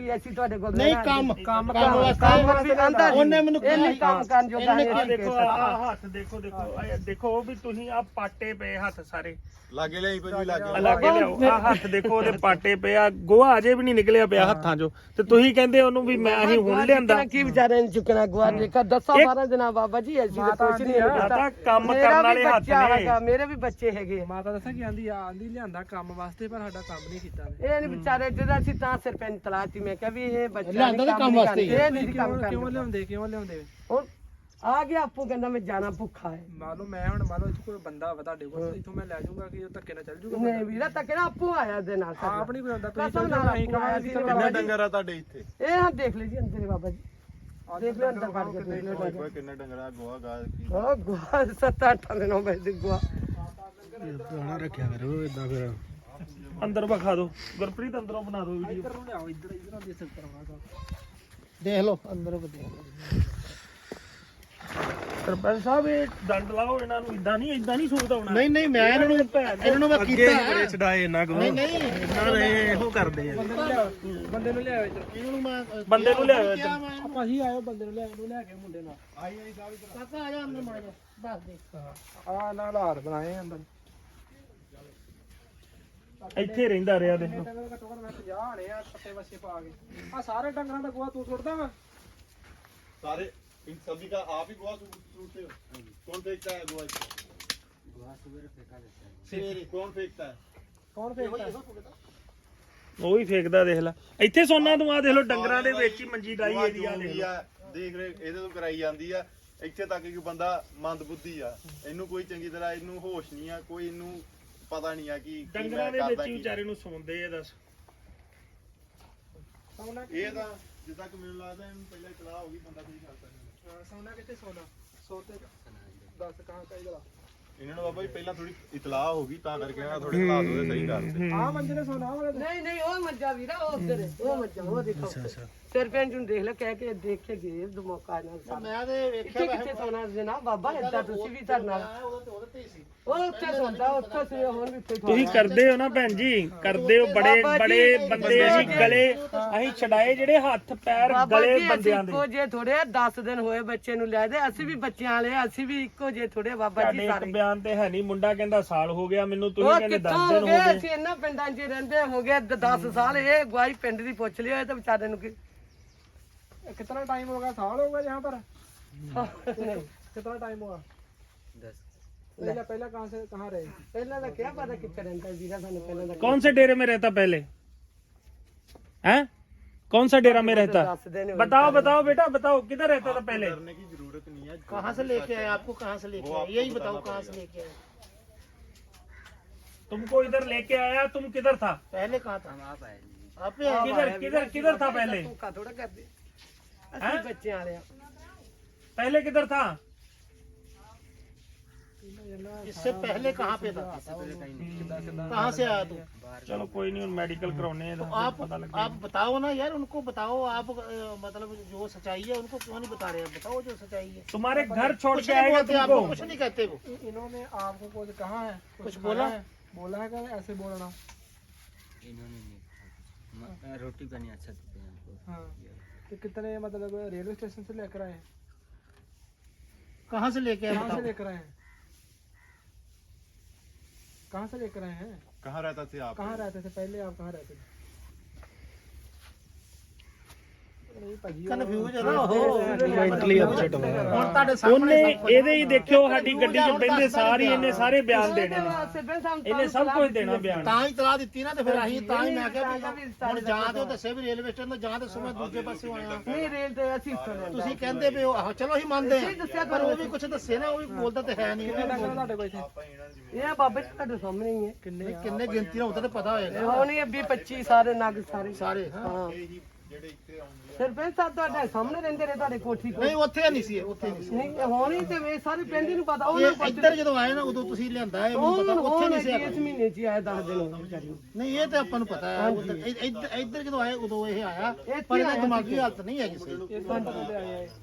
[SPEAKER 5] ਵੀ ਅਸੀਂ ਤੁਹਾਡੇ ਕੋਲ
[SPEAKER 2] ਨਹੀਂ
[SPEAKER 5] ਰਹਿਣਾ।
[SPEAKER 2] ਕੰਮ
[SPEAKER 3] ਕੰਮ
[SPEAKER 2] ਕੰਮ ਵਾਸਤੇ
[SPEAKER 5] ਕੰਮ ਵੀ ਆਂਦਾ
[SPEAKER 2] ਉਹਨੇ ਮੈਨੂੰ
[SPEAKER 5] ਇਹ ਨਹੀਂ
[SPEAKER 2] ਕਿਹਾ
[SPEAKER 5] ਕੰਮ ਕਰਨ ਜੋਗਾ
[SPEAKER 2] ਇਹਨੇ
[SPEAKER 5] ਹੈ
[SPEAKER 1] ਆ ਦੇਖੋ ਆ ਹੱਥ ਦੇਖੋ ਦੇਖੋ ਆਹ ਦੇਖੋ ਵੀ ਤੁਸੀਂ ਆ ਪਾਟੇ ਪਏ ਹੱਥ ਸਾਰੇ
[SPEAKER 6] ਲਾਗੇ ਲਈ ਕੋਈ ਲਾਗੇ
[SPEAKER 1] ਲਾਗੇ ਲਿਆਓ ਆ ਹੱਥ ਦੇਖੋ ਉਹਦੇ ਪਾਟੇ ਪਏ ਆ ਗੋਹਾ ਅਜੇ ਵੀ ਨਹੀਂ ਨਿਕਲਿਆ ਪਿਆ ਹੱਥਾਂ 'ਚੋਂ ਤੇ ਤੁਸੀਂ ਕਹਿੰਦੇ ਉਹਨੂੰ ਵੀ ਮੈਂ ਅਸੀਂ ਹੁਣ ਲਿਆਂਦਾ
[SPEAKER 5] ਕੀ ਵਿਚਾਰੇ ਨੇ ਚੁੱਕਣਾ ਗਵਾ ਦੇਖਾ ਦਸਾਂ ਬਾਰਾਂ ਦਿਨਾਂ ਬਾਬਾ ਜੀ ਅਸੀਂ ਤਾਂ ਕੁਝ ਨਹੀਂ
[SPEAKER 1] ਮਾਤਾ ਕੰਮ
[SPEAKER 5] ਮੇਰਾ
[SPEAKER 1] ਕਰਨ
[SPEAKER 5] ਵੀ
[SPEAKER 1] ਵਾਲੇ ਹੱਥ
[SPEAKER 5] ਬੱਚਾ
[SPEAKER 1] ਨੇ
[SPEAKER 5] ਹੈਗਾ, ਮੇਰੇ ਵੀ ਬੱਚੇ ਹੈਗੇ ਆ।
[SPEAKER 3] ਮਾਤਾ ਦੱਸਾਂ ਕੀ ਆਂਦੀ ਆ ਆਂਦੀ ਲਿਆਂਦਾ ਕੰਮ ਵਾਸਤੇ ਪਰ ਸਾਡਾ ਕੰਮ ਨਹੀਂ ਕੀਤਾ
[SPEAKER 5] ਇਹ ਨਹੀਂ ਵਿਚਾਰੇ ਜਿਹੜਾ ਅਸੀਂ ਤਾਂ ਸਰਪੰਚ ਤਲਾਤੀ ਮੈਂ ਕਿਹਾ ਵੀ ਇਹ ਬੱਚਾ
[SPEAKER 2] ਲਿਆਂਦਾ ਤਾਂ ਕੰਮ ਵਾਸਤੇ ਹੀ
[SPEAKER 5] ਇਹ ਨਹੀਂ ਕੰਮ
[SPEAKER 3] ਕਿਉਂ
[SPEAKER 5] ਕਰਦਾ
[SPEAKER 3] ਲਿਆਉਂਦੇ ਕਿਉਂ ਲਿਆਉਂਦੇ
[SPEAKER 5] ਹੁਣ ਆ ਗਿਆ ਆਪੂ ਕਹਿੰਦਾ ਮੈਂ ਜਾਣਾ ਭੁੱਖਾ ਹੈ
[SPEAKER 3] ਮੰਨ ਲਓ ਮੈਂ ਹੁਣ ਮੰਨ ਲਓ ਇੱਥੇ ਕੋਈ ਬੰਦਾ ਵਾ ਤੁਹਾਡੇ ਕੋਲ ਇੱਥੋਂ ਮੈਂ ਲੈ ਜਾਊਂਗਾ ਕਿ ਉਹ ਧੱਕੇ ਨਾਲ ਚੱਲ ਜਾਊਗਾ
[SPEAKER 5] ਨਹੀਂ ਵੀਰਾ ਤਾਂ ਕਿਹੜਾ ਆਪੂ ਆਇਆ ਦੇ ਨਾਲ ਸਾਡਾ।
[SPEAKER 3] ਆਪ ਨਹੀਂ ਕੋਈ ਹੁੰਦਾ ਤੁਸੀਂ
[SPEAKER 5] ਕਸਮ
[SPEAKER 3] ਚੱਲ
[SPEAKER 5] ਨਾਲ
[SPEAKER 3] ਜਾਓ, ਅਸੀਂ
[SPEAKER 5] ਆਪੂ ਆਇਆ
[SPEAKER 3] ਕਹਾਂਗੇ
[SPEAKER 5] ਸੀ
[SPEAKER 3] ਕਿ
[SPEAKER 6] ਕਿੰਨੇ ਡੰਗਰ ਆ ਤੁਹਾਡੇ ਇੱਥੇ
[SPEAKER 5] ਇਹ ਹਾਂ ਦੇਖ ਲਈ ਜੀ ਅੰਦਰ ਬਾਬਾ ਜੀ ਦੇਖ ਲਿਓ ਅੰਦਰ ਵੜ ਕੇ ਦੇਖ ਲਿਓ
[SPEAKER 6] ਓਏ ਹੋਏ ਕਿੰਨੇ ਡੰਗਰ ਆ ਗੋਹਾ ਗਾ ਕੀ
[SPEAKER 5] ਉਹ ਗੁਆ ਸੱਤ ਅੱਠ ਦਿਨੋਂ ਬੈਠ ਗੁਆ
[SPEAKER 2] ਰੱਖਿਆ ਕਰੋ ਇਦਾਂ ਫਿਰ
[SPEAKER 1] ਅੰਦਰ ਵਿਖਾ ਦਿਓ ਗੁਰਪ੍ਰੀਤ ਅੰਦਰੋਂ ਬਣਾ ਦਿਓ ਵੀਡੀਓ
[SPEAKER 3] ਇੱਧਰ ਨੂੰ ਲਿਆਓ ਇੱਧਰ ਇੱਧਰ ਦੇ ਸਕਦਾ ਹਾਂ
[SPEAKER 2] ਦੇਖ ਲਓ ਅੰਦਰ ਵਧੀਆ
[SPEAKER 1] ਸਰਪੰਚ ਸਾਹਿਬ ਇਹ ਡੰਡ ਲਾਓ ਇਹਨਾਂ ਨੂੰ ਇਦਾਂ ਨਹੀਂ ਇਦਾਂ ਨਹੀਂ ਸੋਚਦਾ ਹੋਣਾ
[SPEAKER 2] ਨਹੀਂ ਨਹੀਂ ਮੈਂ ਇਹਨਾਂ ਨੂੰ ਇਹਨਾਂ ਨੂੰ ਮੈਂ ਕੀਤਾ
[SPEAKER 1] ਛਡਾਏ ਇਹਨਾਂ ਕੋਲ
[SPEAKER 2] ਨਹੀਂ ਨਹੀਂ
[SPEAKER 1] ਇਹਨਾਂ ਨੇ ਇਹੋ ਕਰਦੇ ਆ
[SPEAKER 3] ਬੰਦੇ ਨੂੰ ਲਿਆਓ ਬੰਦੇ ਨੂੰ ਲਿਆਓ ਇੱਧਰ
[SPEAKER 2] ਇਹਨਾਂ ਨੂੰ ਮੈਂ
[SPEAKER 1] ਬੰਦੇ ਨੂੰ ਲਿਆਓ ਇੱਧਰ
[SPEAKER 3] ਆਪਾਂ ਹੀ ਆਇਓ ਬੰਦੇ ਨੂੰ ਲਿਆਓ ਇਹਨੂੰ ਲੈ ਕੇ ਮੁੰਡੇ ਨਾਲ
[SPEAKER 2] ਕਾਕਾ ਆ ਜਾ ਅੰਦਰ ਮਾਰ ਜਾ ਦੱਸ ਦੇ
[SPEAKER 3] ਆ ਨਾਲ ਹਾਲਾਤ ਬਣਾਏ ਅੰਦਰ
[SPEAKER 1] ਇੱਥੇ ਰਹਿੰਦਾ ਰਿਹਾ ਦੇਖੋ
[SPEAKER 3] ਡੰਗਰ ਘੱਟੋ ਘੱਟ ਮੈਂ ਪੰਜਾਹ ਆਣੇ ਆ ਪੱਟੇ ਵਸੇ ਪਾ ਕੇ ਆ ਸਾਰੇ ਡੰਗਰਾਂ ਦਾ ਗੋਹਾ ਤੂੰ ਸੁੱਟਦਾ ਵਾ
[SPEAKER 6] सारे इन सभी का आप ही गोवा सूटते हो कौन फेंकता है गोवा गोवा सवेरे फेंका देता है सवेरे कौन फेंकता है
[SPEAKER 3] ਕੌਣ ਫੇਕਦਾ
[SPEAKER 1] ਉਹ ਵੀ ਫੇਕਦਾ ਦੇਖ ਲੈ ਇੱਥੇ ਸੋਨਾ ਤੂੰ ਆ ਦੇਖ ਲੋ ਡੰਗਰਾਂ ਦੇ ਵਿੱਚ ਹੀ ਮੰਜੀ ਡਾਈ
[SPEAKER 6] गोवा
[SPEAKER 1] ਇਹਦੀ ਆ
[SPEAKER 6] जो
[SPEAKER 1] ਦੇਖ
[SPEAKER 6] भी
[SPEAKER 1] ਲਓ।
[SPEAKER 6] आ देख रहे ਇਹਦੇ ਤੋਂ ਕਰਾਈ ਜਾਂਦੀ ਆ ਇੱਥੇ ਤੱਕ ਕਿ ਬੰਦਾ ਮੰਦਬੁੱਧੀ ਆ ਇਹਨੂੰ ਕੋਈ ਚੰਗੀ ਤਰ੍ਹਾਂ ਇਹਨੂੰ ਹੋਸ਼ ਨਹੀਂ ਆ ਕੋਈ ਇਹਨੂੰ ਪਤਾ ਨਹੀਂ ਆ ਕਿ ਕੀ
[SPEAKER 1] ਡੰਗਰਾਂ
[SPEAKER 6] ਮੈਂ
[SPEAKER 1] ਦੇ ਵਿੱਚ
[SPEAKER 6] ਕਰਦਾ
[SPEAKER 1] ਹੀ
[SPEAKER 6] ਕੀ
[SPEAKER 1] ਵਿਚਾਰੇ ਨੂੰ ਸੌਂਦੇ ਆ ਦੱਸ
[SPEAKER 3] ਸੌਣਾ
[SPEAKER 6] ਇਹ ਤਾਂ ਜਿੱਦਾਂ ਕਿ ਮੈਨੂੰ ਲੱਗਦਾ ਇਹਨੂੰ ਪਹਿਲਾਂ ਇਤਲਾਹ ਹੋ ਗਈ ਬੰਦਾ ਕੋਈ ਕਰਦਾ ਨਹੀਂ
[SPEAKER 3] ਸੌਣਾ ਕਿੱਥੇ ਸੌਣਾ ਸੋਤੇ ਦੱਸ ਕਹਾਂ ਚਾਹੀਦਾ
[SPEAKER 6] ਇਹਨਾਂ ਨੂੰ ਬਾਬਾ ਜੀ ਪਹਿਲਾਂ ਥੋੜੀ ਇਤਲਾਹ ਹੋ ਗਈ ਤਾਂ ਕਰਕੇ ਇਹਨਾਂ ਥੋੜੇ ਹਾਲਾਤ ਉਹਦੇ ਸਹੀ ਕਰਤੇ
[SPEAKER 3] ਆ ਮੰਜੇ ਨੇ ਸੌਣਾ ਵਾਲੇ
[SPEAKER 5] ਨਹੀਂ ਨਹੀਂ ਉਹ ਮੱਝਾ ਵੀਰਾ ਉਹ ਉਧਰ ਉਹ ਮੱਝਾ ਉਹ ਦੇਖੋ ਸਰਪੰਚ ਨੂੰ ਦੇਖ ਲੈ ਕਹਿ ਕੇ ਦੇਖ ਕੇ ਗਏ ਦਮੋਕਾ ਨਾਲ ਸਾਹਿਬ
[SPEAKER 2] ਮੈਂ ਤੇ ਵੇਖਿਆ
[SPEAKER 5] ਕਿੱਥੇ ਕਿੱਥੇ ਸੋਨਾ ਜਨਾਬ ਬਾਬਾ ਏਦਾਂ ਤੁਸੀਂ ਵੀ ਸਾਡੇ ਨਾਲ
[SPEAKER 2] ਉਹਦੇ ਉਹਦੇ ਤੇ ਹੀ ਸੀ
[SPEAKER 5] ਉਹ ਉੱਥੇ ਸੌਂਦਾ ਉੱਥੇ ਸੀ ਹੁਣ ਵੀ ਉੱਥੇ
[SPEAKER 1] ਤੁਸੀਂ ਕਰਦੇ ਹੋ ਨਾ ਭੈਣ ਜੀ ਕਰਦੇ ਹੋ ਬੜੇ
[SPEAKER 5] ਬਾਬਾ ਜੀ,
[SPEAKER 1] ਬੜੇ ਬੰਦੇ ਅਸੀਂ ਗਲੇ ਅਸੀਂ ਛਡਾਏ ਜਿਹੜੇ ਹੱਥ ਪੈਰ
[SPEAKER 5] ਬਾਬਾ
[SPEAKER 1] ਗਲੇ
[SPEAKER 5] ਜੀ ਅਸੀਂ
[SPEAKER 1] ਬੰਦਿਆਂ ਦੇ
[SPEAKER 5] ਇੱਕੋ ਜੇ ਥੋੜੇ ਦਸ ਦਿਨ ਹੋਏ ਬੱਚੇ ਨੂੰ ਲੈ ਦੇ ਅਸੀਂ ਵੀ ਬੱਚਿਆਂ ਵਾਲੇ ਆ, ਅਸੀਂ ਵੀ ਇੱਕੋ ਜੇ ਥੋੜੇ ਬਾਬਾ
[SPEAKER 1] ਸਾਡੇ
[SPEAKER 5] ਜੀ
[SPEAKER 1] ਇੱਕ
[SPEAKER 5] ਸਾਰੇ
[SPEAKER 1] ਬਿਆਨ ਤੇ ਹੈ ਨਹੀਂ ਮੁੰਡਾ ਕਹਿੰਦਾ ਸਾਲ ਹੋ ਗਿਆ ਮੈਨੂੰ ਤੁਸੀਂ
[SPEAKER 5] ਉਹ
[SPEAKER 1] ਕਹਿੰਦੇ
[SPEAKER 5] ਕਿੱਥੋਂ
[SPEAKER 1] ਦਸ
[SPEAKER 5] ਹੋ
[SPEAKER 1] ਦਿਨ
[SPEAKER 5] ਗਏ
[SPEAKER 1] ਹੋ ਗਏ
[SPEAKER 5] ਅਸੀਂ ਇਹਨਾਂ ਪਿੰਡਾਂ 'ਚ ਹੀ ਰਹਿੰਦੇ ਹੋ ਗਏ ਦਸ ਸਾਲ ਇਹ ਗਵਾਈ ਪਿੰਡ ਦੀ ਪੁੱਛ ਲਿਓ ਇਹ ਤਾਂ ਵਿਚਾਰੇ ਨੂੰ ਕੀ
[SPEAKER 3] कितना टाइम होगा साल होगा यहाँ पर कितना टाइम होगा
[SPEAKER 4] दस
[SPEAKER 3] पहले पहले कहाँ से कहाँ रहे
[SPEAKER 5] ਪਹਿਲਾਂ ਤਾਂ ਕਿਹਾ ਪਤਾ ਕਿੱਥੇ ਰਹਿੰਦਾ ਵੀਰਾ ਸਾਨੂੰ ਪਹਿਲਾਂ ਦਾ
[SPEAKER 1] कौन से डेरे में रहता पहले हैं कौन सा डेरा में रहता
[SPEAKER 5] ਦੱਸਦੇ ਨੇ
[SPEAKER 1] बताओ बताओ बेटा बताओ किधर रहता था पहले
[SPEAKER 6] करने की जरूरत नहीं है
[SPEAKER 2] कहाँ से लेके आए आपको कहाँ से लेके आए यही बताओ कहाँ से लेके आए
[SPEAKER 1] तुमको इधर लेके आया तुम किधर था
[SPEAKER 2] पहले कहाँ था
[SPEAKER 4] हम आप आए जी
[SPEAKER 2] आप ही आए
[SPEAKER 1] किधर किधर किधर था पहले
[SPEAKER 5] ਧੋਖਾ ਥੋੜਾ ਕਰਦੇ ਅਸੀਂ ਬੱਚਿਆਂ ਵਾਲੇ ਆ
[SPEAKER 1] पहले किधर था
[SPEAKER 2] इससे पहले कहाँ पे था
[SPEAKER 4] पहले कहीं नहीं
[SPEAKER 2] कहाँ से आया तू
[SPEAKER 1] चलो कोई नहीं मेडिकल कराने हैं तो
[SPEAKER 2] आप
[SPEAKER 1] पता लग
[SPEAKER 2] आप बताओ ना यार उनको बताओ आप अ, मतलब जो सच्चाई है उनको क्यों नहीं बता रहे हैं बताओ जो सच्चाई है
[SPEAKER 1] तुम्हारे घर छोड़
[SPEAKER 2] कुछ
[SPEAKER 1] के
[SPEAKER 2] नहीं
[SPEAKER 1] आएगा
[SPEAKER 2] बोलते आपको
[SPEAKER 1] तुमको
[SPEAKER 2] कुछ नहीं कहते वो
[SPEAKER 3] इन्होंने आपको कुछ कहा है
[SPEAKER 2] कुछ बोला
[SPEAKER 3] है बोला है क्या ऐसे बोलना
[SPEAKER 4] इन्होंने नहीं कहा कुछ। म- रोटी पानी अच्छा देते हैं हमको
[SPEAKER 3] हाँ तो कितने मतलब रेलवे स्टेशन से लेकर आए हैं
[SPEAKER 2] कहाँ से लेके आए
[SPEAKER 3] कहाँ से
[SPEAKER 2] बताओ
[SPEAKER 3] लेकर आए हैं कहाँ से लेकर आए हैं
[SPEAKER 6] कहाँ रहता थे आप
[SPEAKER 3] कहाँ रहते थे पहले आप कहाँ रहते थे नहीं भाजी
[SPEAKER 2] ਕਨਫਿਊਜ਼ ਹੈ ਨਾ ਉਹ ਮੈਂਟਲੀ ਅਪਸੈਟ ਹੋਇਆ ਹੁਣ ਤੁਹਾਡੇ ਸਾਹਮਣੇ
[SPEAKER 1] ਉਹਨੇ ਇਹਦੇ ਹੀ ਦੇਖਿਓ ਸਾਡੀ ਗੱਡੀ 'ਚ ਬੈਠੇ ਸਾਰੇ ਇਹਨੇ ਸਾਰੇ ਬਿਆਨ ਦੇਣੇ ਨੇ ਇਹਨੇ ਸਭ ਕੁਝ ਦੇਣਾ ਬਿਆਨ
[SPEAKER 2] ਤਾਂ ਹੀ ਤਲਾ ਦਿੱਤੀ ਨਾ ਤੇ ਫਿਰ ਅਸੀਂ ਤਾਂ ਹੀ ਮੈਂ ਕਿਹਾ ਵੀ ਹੁਣ ਜਾਂ ਤੇ ਉਹ ਦੱਸੇ ਵੀ ਰੇਲਵੇ ਸਟੇਸ਼ਨ ਤੋਂ ਜਾਂ ਤੇ ਮੈਂ ਦੂਜੇ ਪਾਸੇ ਆਇਆ
[SPEAKER 5] ਨਹੀਂ ਰੇਲ ਤੇ ਅਸੀਂ ਇੱਥੋਂ ਲੈਂਦੇ
[SPEAKER 2] ਤੁਸੀਂ ਕਹਿੰਦੇ ਵੀ ਉਹ ਆਹੋ ਚਲੋ ਅਸੀਂ ਮੰਨਦੇ ਹਾਂ ਪਰ ਉਹ ਵੀ ਕੁਝ ਦੱਸੇ ਨਾ ਉਹ ਵੀ ਬੋਲਦਾ ਤੇ ਹੈ ਨਹੀਂ
[SPEAKER 3] ਤੁਹਾਡੇ ਕੋਲ ਇੱਥੇ
[SPEAKER 5] ਇਹ ਬਾਬਾ ਜੀ ਤੁਹਾਡੇ ਸਾਹਮਣੇ ਹੀ ਹੈ
[SPEAKER 3] ਕਿੰਨੇ
[SPEAKER 2] ਕਿੰਨੇ ਗਿਣਤੀ ਨਾਲ ਉਹਦਾ ਤੇ ਪਤਾ ਹੋਏਗਾ
[SPEAKER 5] ਹੋਣੀ ਹੈ ਵੀਹ ਪੱਚੀ ਸਾਰੇ ਨਗ ਸਾਰੇ
[SPEAKER 2] ਸਾਰੇ
[SPEAKER 5] ਹਾਂ
[SPEAKER 6] ਜਿਹੜੇ ਇੱਥੇ ਆਉਂਦੇ
[SPEAKER 5] ਸਰਪੰਚ ਸਾਹਿਬ ਤੁਹਾਡੇ ਸਾਹਮਣੇ ਰਹਿੰਦੇ ਨੇ ਤੁਹਾਡੇ ਕੋਠੀ ਕੋਲ
[SPEAKER 2] ਨਹੀਂ ਉੱਥੇ ਨਹੀਂ ਸੀ ਉੱਥੇ ਨਹੀਂ ਸੀ
[SPEAKER 5] ਨਹੀਂ ਹੋਣੀ ਤੇ ਵੇ ਸਾਰੇ ਪਿੰਡ ਹੀ ਨੂੰ ਪਤਾ ਉਹ
[SPEAKER 2] ਇਹ ਇੱਧਰ ਜਦੋਂ ਆਏ ਨਾ ਉਦੋਂ ਤੁਸੀਂ ਲਿਆਂਦਾ ਹੈ ਮੈਨੂੰ ਪਤਾ ਉੱਥੇ ਨਹੀਂ ਸੀ
[SPEAKER 5] ਇਸ ਮਹੀਨੇ ਚ ਹੀ ਆਇਆ ਦਸ ਦਿਨ ਹੋ ਗਏ ਵਿਚਾਰੀ ਨੂੰ।
[SPEAKER 2] ਨਹੀਂ ਇਹ ਤੇ ਆਪਾਂ ਨੂੰ ਪਤਾ ਹੈ ਉੱਧਰ ਇ- ਇੱਧਰ ਇੱਧਰ ਜਦੋਂ ਆਏ ਉਦੋਂ ਇਹ ਆਇਆ ਪਰ ਇਹਦਾ ਦਿਮਾਗੀ ਹਾਲਤ ਨਹੀਂ ਹੈਗੀ ਸੀ
[SPEAKER 3] ਪੰਜ ਬੰਦੇ ਆਏ ਆਏ